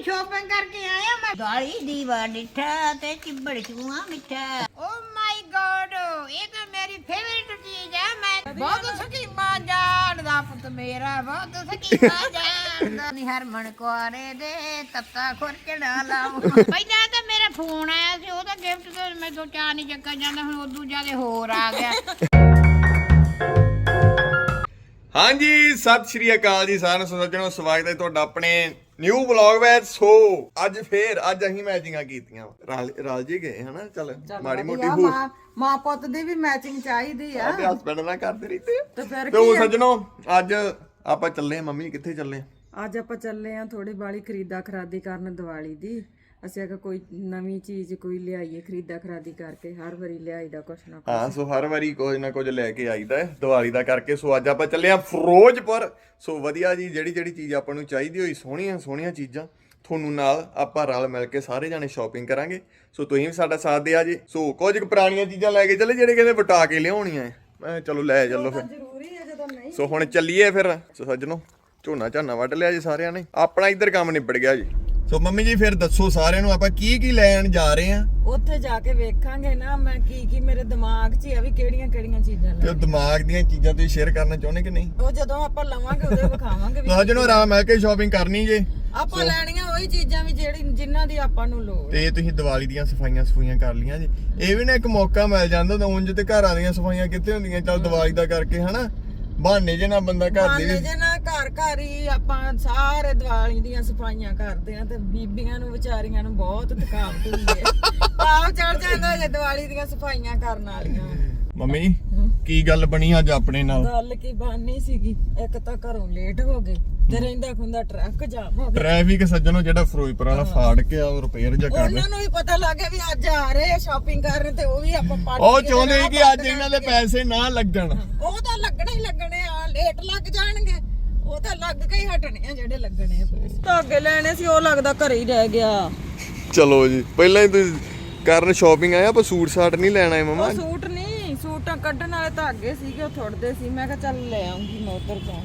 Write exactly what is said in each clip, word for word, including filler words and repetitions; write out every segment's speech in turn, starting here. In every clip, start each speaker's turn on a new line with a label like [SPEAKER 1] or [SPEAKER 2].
[SPEAKER 1] Shopping ਕਰਕੇ ਆਇਆ ਮੈਂ ਗਾਲੀ ਦੀਵਾ ਡਿੱਠਾ ਤੇ ਚਿੱਬੜ ਚੂਆ ਮਿੱਠਾ ਓ ਮਾਈ ਗॉड ਇਹ ਤਾਂ ਮੇਰੀ ਫੇਵਰਿਟ ਚੀਜ਼ ਹੈ ਮੈਂ ਬਹੁਤ ਸਕੀਮਾਂ ਜਾਣਦਾ ਪੁੱਤ ਮੇਰਾ ਬਹੁਤ ਸਕੀਮਾਂ ਜਾਣਦਾ ਨਹੀਂ ਹਰਮਨ ਕੁਆਰੇ ਦੇ ਤੱਤਾ ਖੁਰਚੜਾ ਲਾਉ ਪਹਿਲਾਂ ਤਾਂ ਮੇਰਾ ਫੋਨ ਆਇਆ ਸੀ ਉਹਦਾ ਗਿਫਟ ਤੇ ਮੈਂ ਦੋ ਚਾਰ ਨਹੀਂ ਚੱਕਾ ਜਾਂਦਾ ਹੁਣ ਉਦੋਂ ਜ਼ਿਆਦਾ ਹੋਰ ਆ ਗਿਆ।
[SPEAKER 2] ਹਾਂਜੀ ਸਤਿ ਸ਼੍ਰੀ ਅਕਾਲ ਜੀ ਸਾਰਿਆਂ ਨੂੰ ਸੱਜਣੋ ਸਵਾਗਤ ਹੈ ਤੁਹਾਡਾ ਆਪਣੇ ਨਿਊ ਵਲੌਗ ਵਿੱਚ। ਸੋ ਅੱਜ ਫੇਰ ਅੱਜ ਅਸੀਂ ਮੈਚਿੰਗਾਂ ਕੀਤੀਆਂ ਰਲ ਰਲ ਜੀ ਗਏ ਹਨਾ ਚੱਲ ਮਾੜੀ ਮੋਟੀ ਹੋ
[SPEAKER 3] ਮਾਂ ਪੁੱਤ ਦੀ ਵੀ ਮੈਚਿੰਗ ਚਾਹੀਦੀ ਆ
[SPEAKER 2] ਤੇ ਹਸਬੰਡ ਨਾਲ ਕਰਦੇ ਰਹੀ
[SPEAKER 3] ਤੇ ਫਿਰ
[SPEAKER 2] ਤੇ ਉਹ ਸੱਜਣੋ ਅੱਜ ਆਪਾਂ ਚੱਲੇ ਮੰਮੀ ਕਿੱਥੇ ਚੱਲੇ
[SPEAKER 3] ਅੱਜ ਆਪਾਂ ਚੱਲੇ ਆ ਥੋੜੀ ਬਾਲੀ ਖਰੀਦਾ ਖਰਾਦੀ ਕਰਨ ਦੀਵਾਲੀ ਦੀ। ਅਸੀਂ ਅਗਰ ਕੋਈ ਨਵੀਂ ਚੀਜ਼ ਕੋਈ ਲਿਆਈਏ ਖਰੀਦਾ ਖਰਾਦੀ ਕਰਕੇ ਹਰ ਵਾਰੀ ਲਿਆਈਦਾ ਕੁਛ ਨਾ ਕੁਛ।
[SPEAKER 2] ਹਾਂ ਸੋ ਹਰ ਵਾਰੀ ਕੁਝ ਨਾ ਕੁਝ ਲੈ ਕੇ ਆਈਦਾ ਹੈ ਦੀਵਾਲੀ ਦਾ ਕਰਕੇ। ਸੋ ਅੱਜ ਆਪਾਂ ਚੱਲੇ ਆ ਫਿਰੋਜ਼ਪੁਰ। ਸੋ ਵਧੀਆ ਜੀ ਜਿਹੜੀ ਜਿਹੜੀ ਚੀਜ਼ ਆਪਾਂ ਨੂੰ ਚਾਹੀਦੀ ਹੋਈ ਸੋਹਣੀਆਂ ਸੋਹਣੀਆਂ ਚੀਜ਼ਾਂ ਤੁਹਾਨੂੰ ਨਾਲ ਆਪਾਂ ਰਲ ਮਿਲ ਕੇ ਸਾਰੇ ਜਾਣੇ ਸ਼ਾਪਿੰਗ ਕਰਾਂਗੇ। ਸੋ ਤੁਸੀਂ ਵੀ ਸਾਡਾ ਸਾਥ ਦਿਆ ਜੀ। ਸੋ ਕੁਝ ਪੁਰਾਣੀਆਂ ਚੀਜ਼ਾਂ ਲੈ ਕੇ ਚੱਲੇ ਜਿਹੜੇ ਕਹਿੰਦੇ ਵਟਾ ਕੇ ਲਿਆਉਣੀਆਂ ਮੈਂ ਚਲੋ ਲੈ ਚੱਲੋ ਫਿਰ
[SPEAKER 3] ਜ਼ਰੂਰੀ ਹੈ ਜਦੋਂ ਨਹੀਂ।
[SPEAKER 2] ਸੋ ਹੁਣ ਚੱਲੀਏ ਫਿਰ। ਸੋ ਸੱਜਣੋ ਝੋਨਾ ਝਾਨਾ ਵੱਢ ਲਿਆ ਜੀ ਸਾਰਿਆਂ ਨੇ ਆਪਣਾ ਇੱਧਰ ਕੰਮ ਨਿਬੜ ਗਿਆ ਜੀ। ਸੋ ਮੰਮੀ ਜੀ ਫਿਰ ਦੱਸੋ ਸਾਰਿਆਂ ਨੂੰ ਆਪਾਂ ਕੀ ਕੀ ਲੈਣ ਜਾ ਰਹੇ ਆ
[SPEAKER 3] ਉੱਥੇ ਜਾ ਕੇ ਵੇਖਾਂਗੇ ਨਾ ਮੈਂ ਕੀ ਕੀ ਮੇਰੇ ਦਿਮਾਗ 'ਚ ਆ ਵੀ ਕਿਹੜੀਆਂ ਕਿਹੜੀਆਂ ਚੀਜ਼ਾਂ
[SPEAKER 2] ਤੇ
[SPEAKER 3] ਲੈ।
[SPEAKER 2] ਉਹ ਦਿਮਾਗ ਦੀਆਂ ਚੀਜ਼ਾਂ ਤੁਸੀਂ ਸ਼ੇਅਰ ਕਰਨਾ ਚਾਹੁੰਦੇ ਕਿ ਨਹੀਂ?
[SPEAKER 3] ਉਹ ਜਦੋਂ ਆਪਾਂ ਲਵਾਂਗੇ ਉਦੋਂ ਵਿਖਾਵਾਂਗੇ ਵੀ
[SPEAKER 2] ਸੱਜਣੋ ਆਰਾਮ ਮਿਲ ਕੇ ਸ਼ਾਪਿੰਗ ਕਰਨੀ ਜੇ।
[SPEAKER 3] ਆਪਾਂ ਲੈਣੀਆਂ ਉਹੀ ਚੀਜ਼ਾਂ ਵੀ ਜਿਹੜੀ ਜਿਨ੍ਹਾਂ ਦੀ ਆਪਾਂ ਨੂੰ ਲੋੜ।
[SPEAKER 2] ਤੇ ਤੁਸੀਂ ਦੀਵਾਲੀ ਦੀਆਂ ਸਫਾਈਆਂ ਸਫਾਈਆਂ ਕਰ ਲੀਆਂ ਜੀ। ਇਹ ਵੀ ਨਾ ਇੱਕ ਮੌਕਾ ਮਿਲ ਜਾਂਦਾ ਤਾਂ ਉਂਝ ਤੇ ਘਰਾਂ ਦੀਆਂ ਸਫਾਈਆਂ ਕਿੱਥੇ ਹੁੰਦੀਆਂ ਚੱਲ ਦੀਵਾਲੀ ਦਾ ਕਰਕੇ ਹਨਾ ਬਹਾਨੇ ਜੇ ਨਾ ਬੰਦਾ ਘਰ ਦੀ
[SPEAKER 3] ਬਹਾਨੇ ਜੇ ਨਾ ਘਰ ਘਰ ਹੀ ਆਪਾਂ ਸਾਰੇ ਦੀਵਾਲੀ ਦੀਆਂ ਸਫਾਈਆਂ ਕਰਦੇ ਆ ਤੇ ਬੀਬੀਆਂ ਨੂੰ ਵਿਚਾਰੀਆਂ ਨੂੰ ਬਹੁਤ ਥਕਾਵਟ ਹੁੰਦੀ ਹੈ। ਪਾਪ ਚੜ ਜਾਂਦਾ ਜੇ ਦੀਵਾਲੀ ਦੀਆਂ ਸਫਾਈਆਂ ਕਰਨ ਵਾਲੀਆਂ।
[SPEAKER 2] ਮੰਮੀ ਕੀ ਗੱਲ ਬਣੀ ਅੱਜ ਆਪਣੇ ਨਾਲ?
[SPEAKER 3] ਗੱਲ ਕੀ ਬਾਨੀ ਸੀਗੀ ਇੱਕ ਤਾਂ ਘਰੋਂ ਲੇਟ ਹੋ ਗਏ ਤੇ ਰਹਿੰਦਾ ਖੁੰਦਾ ਟਰੱਕ ਜਾਮ ਹੋ ਗਿਆ।
[SPEAKER 2] ਟ੍ਰੈਫਿਕ ਸੱਜਣੋ ਜਿਹੜਾ ਫਿਰੋਜ਼ਪੁਰ ਵਾਲਾ ਫਾੜ ਕੇ ਆ ਉਹ ਰਿਪੇਅਰ ਜਾ ਕਰ
[SPEAKER 3] ਉਹਨਾਂ ਨੂੰ ਵੀ ਪਤਾ ਲੱਗ ਗਿਆ ਵੀ ਅੱਜ ਆ ਰਹੇ ਆ ਸ਼ਾਪਿੰਗ ਕਰਨ ਤੇ ਉਹ ਵੀ ਆਪਾਂ ਪੱਟ
[SPEAKER 2] ਉਹ ਚਾਹੁੰਦੇ ਕਿ ਅੱਜ ਇਹਨਾਂ ਦੇ ਪੈਸੇ ਨਾ ਲੱਗਣ।
[SPEAKER 3] ਉਹ ਤਾਂ ਲੱਗਣੇ ਹੀ ਲੱਗਣੇ ਆ ਲੇਟ ਲੱਗ ਜਾਣਗੇ ਉਹ ਤਾਂ ਲੱਗ ਕੇ ਹੀ ਹਟਣੇ ਆ ਜਿਹੜੇ ਲੱਗਣੇ ਆ ਪੈਸੇ। ਧਾਗੇ ਲੈਣੇ ਸੀ ਉਹ ਲੱਗਦਾ ਘਰੇ ਹੀ ਰਹਿ ਗਿਆ।
[SPEAKER 2] ਚਲੋ ਜੀ ਪਹਿਲਾਂ ਹੀ ਤੁਸੀਂ ਕਰਨ ਸ਼ਾਪਿੰਗ ਆਇਆ ਆਪਾਂ ਸੂਟ ਸਾਟ ਨਹੀਂ ਲੈਣਾ ਹੈ ਮਮਾ।
[SPEAKER 3] ਉਹ ਸੂਟ ਨਹੀਂ ਸੂਟਾਂ ਕੱਢਣ ਵਾਲੇ ਧਾਗੇ ਸੀਗੇ ਉਹ ਥੁੜਦੇ ਸੀ ਮੈਂ ਕਿਹਾ ਚੱਲ ਲੈ ਆਉਂਗੀ ਮੈਂ ਉਧਰ ਜਾ।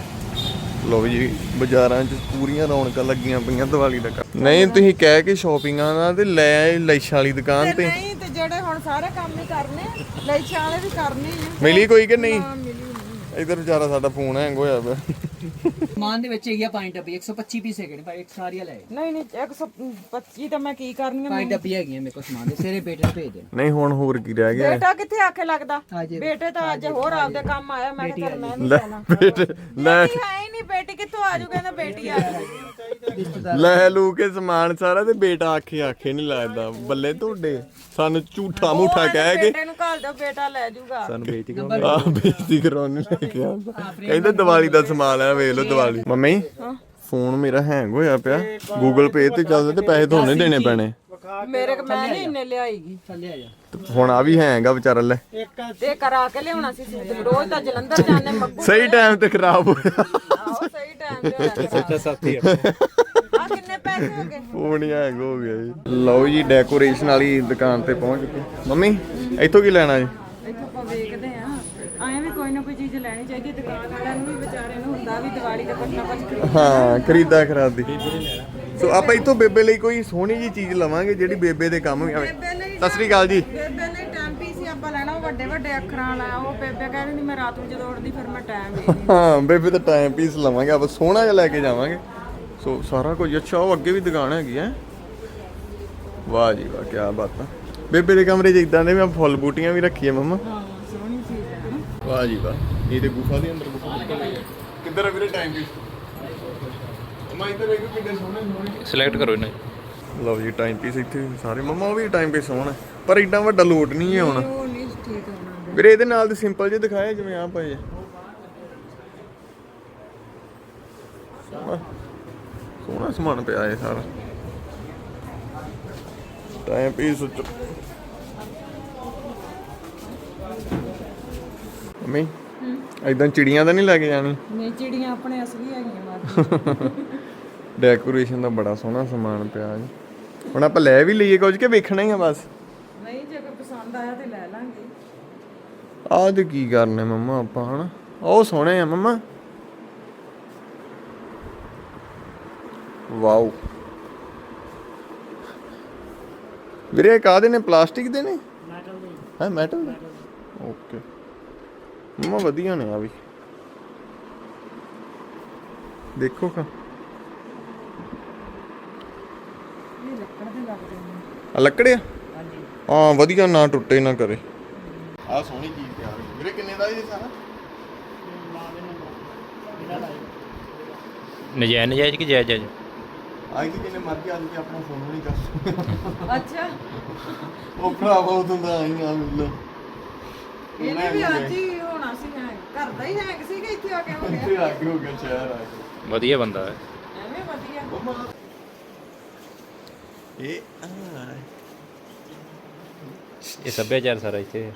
[SPEAKER 2] ਲੋ ਜੀ ਬਾਜ਼ਾਰਾਂ 'ਚ ਪੂਰੀਆਂ ਰੌਣਕਾਂ ਲੱਗੀਆਂ ਪਈਆਂ ਦੀਵਾਲੀ ਦਾ। ਨਹੀਂ ਤੁਸੀਂ ਕਹਿ ਕੇ ਸ਼ਾਪਿੰਗਾਂ ਦਾ ਤੇ ਲੈ ਆਏ ਲੈਸ਼ਾਂ ਵਾਲੀ ਦੁਕਾਨ ਤੇ।
[SPEAKER 3] ਨਹੀਂ ਤੇ ਜਿਹੜੇ ਹੁਣ ਸਾਰੇ ਕੰਮ ਹੀ ਕਰਨੇ ਲੈਸ਼ਾਂ ਵਾਲੇ ਵੀ ਕਰਨੇ ਆ।
[SPEAKER 2] ਮਿਲੀ ਕੋਈ ਕਿ ਨਹੀਂ?
[SPEAKER 3] ਮਿਲੀ ਨਹੀਂ।
[SPEAKER 2] ਇਧਰ ਵਿਚਾਰਾ ਸਾਡਾ ਫੋਨ ਹੈਂਗ ਹੋਇਆ ਪਿਆ।
[SPEAKER 4] ਮਾਨ ਦੇ ਵਿੱਚ ਹੈਗੀ ਪੰਜ ਡੱਬੀ ਇੱਕ ਸੌ ਪੱਚੀ ਪੀਸ ਹੈਗੇ ਨੇ ਪਰ ਇੱਕ ਸਾਰੀਆਂ ਲੈ
[SPEAKER 3] ਨਹੀਂ ਨਹੀਂ ਇੱਕ ਸੌ ਪੱਚੀ ਤਾਂ ਮੈਂ ਕੀ ਕਰਨੀਆਂ
[SPEAKER 4] ਪੰਜ ਡੱਬੀ ਹੈਗੀਆਂ ਮੇਰੇ ਕੋਲ ਸਮਾਨ ਦੇ ਸਿਰੇ ਬੇਟੇ ਨੂੰ ਭੇਜ ਦੇ।
[SPEAKER 2] ਨਹੀਂ ਹੁਣ ਹੋਰ ਕੀ ਰਹਿ ਗਿਆ?
[SPEAKER 3] ਬੇਟਾ ਕਿੱਥੇ ਆਖੇ ਲੱਗਦਾ
[SPEAKER 4] ਹਾਂਜੀ।
[SPEAKER 3] ਬੇਟੇ ਤਾਂ ਅੱਜ ਹੋਰ ਆਪਦੇ ਕੰਮ ਆਇਆ ਮੈਂ ਕਿਹਾ ਚੱਲ ਮੈਂ ਨਹੀਂ
[SPEAKER 2] ਲੈ
[SPEAKER 3] ਜਾਣਾ।
[SPEAKER 2] ਬੇਟੇ ਲੈ
[SPEAKER 3] ਬੇਟੀ ਹੈ ਹੀ ਨਹੀਂ ਬੇਟੀ ਕਿੱਥੋਂ ਆਜੂ ਕਹਿੰਦਾ ਬੇਟੀ ਆ ਜਾਊ।
[SPEAKER 2] ਲੈ ਲੂ ਕੇ ਸਮਾਨ ਸਾਰਾ ਤੇ ਬੇਟਾ ਆਖੇ ਆਖੇ ਨਹੀਂ ਲੱਗਦਾ। ਬੱਲੇ ਤੁਹਾਡੇ ਸਾਨੂੰ ਝੂਠਾ ਮੂਠਾ ਕਹਿ ਕੇ
[SPEAKER 3] ਬੇਟੇ ਨੂੰ ਘੱਲ ਦਿਓ ਬੇਟਾ ਲੈ ਜਾਊਗਾ।
[SPEAKER 2] ਸਾਨੂੰ ਬੇਇੱਜ਼ਤੀ ਕਰਾਉਣੀ ਆ ਬੇਇੱਜ਼ਤੀ ਕਰਾਉਣੀ ਲੈ ਕੇ ਆਉਂਦਾ। ਕਹਿੰਦਾ ਦੀਵਾਲੀ ਦਾ ਸਮਾਨ ਆ ਵੇਖ ਲਓ ਦੀਵਾਲੀ। ਮੰਮੀ ਫੋਨ ਮੇਰਾ ਹੈਂਗ ਹੋਇਆ ਪਿਆ ਗੂਗਲ ਪੇ ਤੇ ਚੱਲਦਾ ਤੇ ਪੈਸੇ ਤੁਹਾਨੂੰ ਦੇਣੇ ਪੈਣੇ
[SPEAKER 3] ਮੇਰੇ ਕੋ ਮੈਂ ਨਹੀਂ ਇੰਨੇ ਲਿਆਈਗੀ।
[SPEAKER 4] ਥੱਲੇ ਆ ਜਾ
[SPEAKER 2] ਤੇ ਹੁਣ ਆ ਵੀ ਹੈਂਗ ਆ ਵਿਚਾਰਾ ਲੈ
[SPEAKER 3] ਤੇ ਕਰਾ ਕੇ ਲਿਆਉਣਾ ਸੀ ਰੋਜ਼ ਤਾਂ ਜਲੰਧਰ ਜਾਂਦੇ ਮੱਗੂ
[SPEAKER 2] ਸਹੀ ਟਾਈਮ ਤੇ ਖਰਾਬ ਹੋਇਆ।
[SPEAKER 3] ਆਹੋ ਸਹੀ ਟਾਈਮ ਤੇ
[SPEAKER 4] ਸੱਚਾ ਸਾਥੀ
[SPEAKER 3] ਆ ਕਿੰਨੇ ਪੈਸੇ ਹੋ ਗਏ?
[SPEAKER 2] ਫੋਨ ਹੀ ਹੈਂਗ ਹੋ ਗਿਆ ਜੀ। ਲਓ ਜੀ ਡੈਕੋਰੇਸ਼ਨ ਵਾਲੀ ਦੁਕਾਨ ਤੇ ਪਹੁੰਚ ਗਏ। ਮੰਮੀ ਇੱਥੋਂ ਕੀ ਲੈਣਾ ਜੀ?
[SPEAKER 3] ਇੱਥੋਂ ਆਪਾਂ ਵੇਖਦੇ ਆ ਐਂ ਵੀ ਕੋਈ ਨਾ ਕੋਈ ਚੀਜ਼ ਲੈਣੀ ਚਾਹੀਦੀ ਦੁਕਾਨ ਵਾਲਿਆਂ ਨੂੰ ਵੀ ਵਿਚਾਰੇ ਨੂੰ ਹੁੰਦਾ ਵੀ ਦੀਵਾਲੀ ਦਾ ਕੁਛ ਨਾ ਕੁਛ ਖਰੀਦ।
[SPEAKER 2] ਹਾਂ ਖਰੀਦਾ ਖਰਾਦੀ। ਸੋ ਆਪਾਂ ਇੱਥੋਂ ਬੇਬੇ ਲਈ ਕੋਈ ਸੋਹਣੀ ਜੀ ਚੀਜ਼ ਲਵਾਂਗੇ ਜਿਹੜੀ ਬੇਬੇ ਦੇ ਕੰਮ ਵੀ ਆਵੇ। ਸਤਿ ਸ੍ਰੀ ਅਕਾਲ ਜੀ।
[SPEAKER 3] ਬੇਬੇ ਨੇ ਟਾਈਮ ਪੀਸ ਹੀ ਆਪਾਂ ਲੈਣਾ ਉਹ ਵੱਡੇ ਵੱਡੇ ਅੱਖਰਾਂ ਵਾਲਾ ਉਹ ਬੇਬੇ ਕਹਿੰਦੀ ਨਹੀਂ ਮੈਂ ਰਾਤ ਨੂੰ ਜਦੋਂ ਉੱਠਦੀ ਫਿਰ ਮੈਂ ਟਾਈਮ ਵੇਖਦੀ।
[SPEAKER 2] ਹਾਂ ਬੇਬੇ ਦਾ ਟਾਈਮ ਪੀਸ ਲਵਾਂਗੇ ਆਪਾਂ ਸੋਹਣਾ ਜਿਹਾ ਲੈ ਕੇ ਜਾਵਾਂਗੇ। ਸੋ ਸਾਰਾ ਕੁਝ ਅੱਛਾ ਉਹ ਅੱਗੇ ਵੀ ਦੁਕਾਨ ਹੈਗੀ ਹੈ। ਵਾਹ ਜੀ ਵਾਹ ਕੀ ਬਾਤ ਆ। ਬੇਬੇ ਦੇ ਕਮਰੇ 'ਚ ਇਦਾਂ ਦੇ ਮੈਂ ਫੁੱਲ ਬੂਟੀਆਂ ਵੀ ਰੱਖੀਆਂ ਮੰਮਾ।
[SPEAKER 3] ਹਾਂ ਸੋਹਣੀ ਚੀਜ਼ ਹੈ ਨਾ।
[SPEAKER 2] ਵਾਹ ਜੀ ਵਾਹ ਇਹ ਤੇ ਗੁਫਾ ਦੇ ਅੰਦਰ ਗੁਫਾ ਕਿੱਧਰ ਆ ਵੀਰੇ ਟਾਈਮ ਪੀਸ? ਮੈਂ ਇੱਧਰ ਵੇਖੋ ਕਿੰਨੇ ਸੋਹਣੇ ਸੋਹਣੇ
[SPEAKER 5] ਸਿਲੈਕਟ ਕਰੋ ਇਹਨਾਂ
[SPEAKER 2] ਲਓ ਜੀ ਟਾਈਮ ਪੀਸ ਇੱਥੇ ਸਾਰੇ ਮੰਮਾ ਉਹ ਵੀ ਟਾਈਮ ਪੀਸ ਸੋਹਣਾ ਪਰ ਏਡਾ ਵੱਡਾ ਲੋਟ ਨਹੀਂ ਹੈ ਹੁਣ
[SPEAKER 3] ਉਹ ਨਹੀਂ ਠੀਕ ਹੋਣਾ।
[SPEAKER 2] ਵੀਰੇ ਇਹਦੇ ਨਾਲ ਤੇ ਸਿੰਪਲ ਜਿਹੇ ਦਿਖਾਏ ਜਿਵੇਂ ਆ ਪਏ ਸੋਹਣਾ ਸੋਹਣਾ ਸਮਾਨ ਪਿਆ ਹੈ ਸਾਰਾ ਟਾਈਮ ਪੀਸ। ਮੰਮੀ ਏਦਾਂ ਚਿੜੀਆਂ ਤਾਂ ਨਹੀਂ ਲੈ ਕੇ ਜਾਣੀ?
[SPEAKER 3] ਨਹੀਂ ਚਿੜੀਆਂ ਆਪਣੇ ਅਸਲੀ ਹੈਗੀਆਂ ਬਾਕੀ।
[SPEAKER 2] ਡੈਕੋਰੇਸ਼ਨ ਦਾ ਬੜਾ ਸੋਹਣਾ ਸਮਾਨ ਪਿਆ ਜੀ। ਹੁਣ ਆਪਾਂ ਲੈ ਵੀ ਲਈਏ ਕੁਝ ਕਿ ਵੇਖਣਾ ਹੀ ਆ ਬਸ?
[SPEAKER 3] ਨਹੀਂ ਜੇ ਕੋਈ ਪਸੰਦ ਆਇਆ ਤੇ ਲੈ ਲਾਂਗੇ।
[SPEAKER 2] ਆਹ ਤੇ ਕੀ ਕਰਨੇ ਮੰਮਾ ਆਪਾਂ ਹਨਾ ਉਹ ਸੋਹਣੇ ਆ ਮੰਮਾ। ਵਾਓ ਵੀਰੇ ਇਹ ਕਾਹਦੇ ਨੇ, ਪਲਾਸਟਿਕ ਦੇ ਨੇ? ਮੈਟਲ ਦੇ ਹੈ। ਮੈਟਲ ਦੇ, ਓਕੇ ਮਮਾ ਵਧੀਆ ਨੇ ਆ ਵੀ, ਦੇਖੋ ਕਾ
[SPEAKER 3] ਇਹ ਲੱਕੜ ਦੇ ਲੱਗਦੇ ਨੇ।
[SPEAKER 2] ਆ ਲੱਕੜਿਆ,
[SPEAKER 4] ਹਾਂਜੀ
[SPEAKER 2] ਹਾਂ ਵਧੀਆ, ਨਾ ਟੁੱਟੇ ਨਾ ਕਰੇ। ਆ ਸੋਹਣੀ ਚੀਜ਼ ਤਿਆਰ ਹੋਈ ਵੀਰੇ, ਕਿੰਨੇ ਦਾ ਇਹ ਸਾਰਾ?
[SPEAKER 5] ਨਜਾਇਜ਼ ਨਜਾਇਜ਼ ਕਿ ਜਾਇਜ਼ ਜਾਇਜ਼?
[SPEAKER 2] ਆਈ ਕਿ ਜਿੰਨੇ ਮਰਜ਼ੀ ਅੱਜ ਕੇ ਆਪਣਾ ਫੋਨ ਨਹੀਂ ਕਰ
[SPEAKER 3] ਅੱਛਾ
[SPEAKER 2] ਉਹ ਭਰਾ ਬਹੁਤ ਹੁੰਦਾ ਆਈ ਆ ਮਿਲ
[SPEAKER 3] ਇਹਨੇ ਵੀ ਅੱਜ ਹੀ ਹੋਣਾ ਸੀ, ਹੈ ਘਰ ਦਾ ਹੀ ਹੈਂਗ ਸੀ ਕਿ ਇੱਥੇ ਆ ਕੇ ਹੋ
[SPEAKER 2] ਇੱਥੇ
[SPEAKER 3] ਗਿਆ?
[SPEAKER 2] ਆ ਕੇ ਹੋ ਗਿਆ, ਸ਼ਹਿਰ ਆ ਕੇ।
[SPEAKER 5] ਵਧੀਆ ਬੰਦਾ ਹੈ।
[SPEAKER 3] ਐਵੇਂ ਵਧੀਆ।
[SPEAKER 2] ਇਹ ਆ
[SPEAKER 5] ਇਹ ਸੱਭਿਆਚਾਰ ਸਾਰਾ ਇੱਥੇ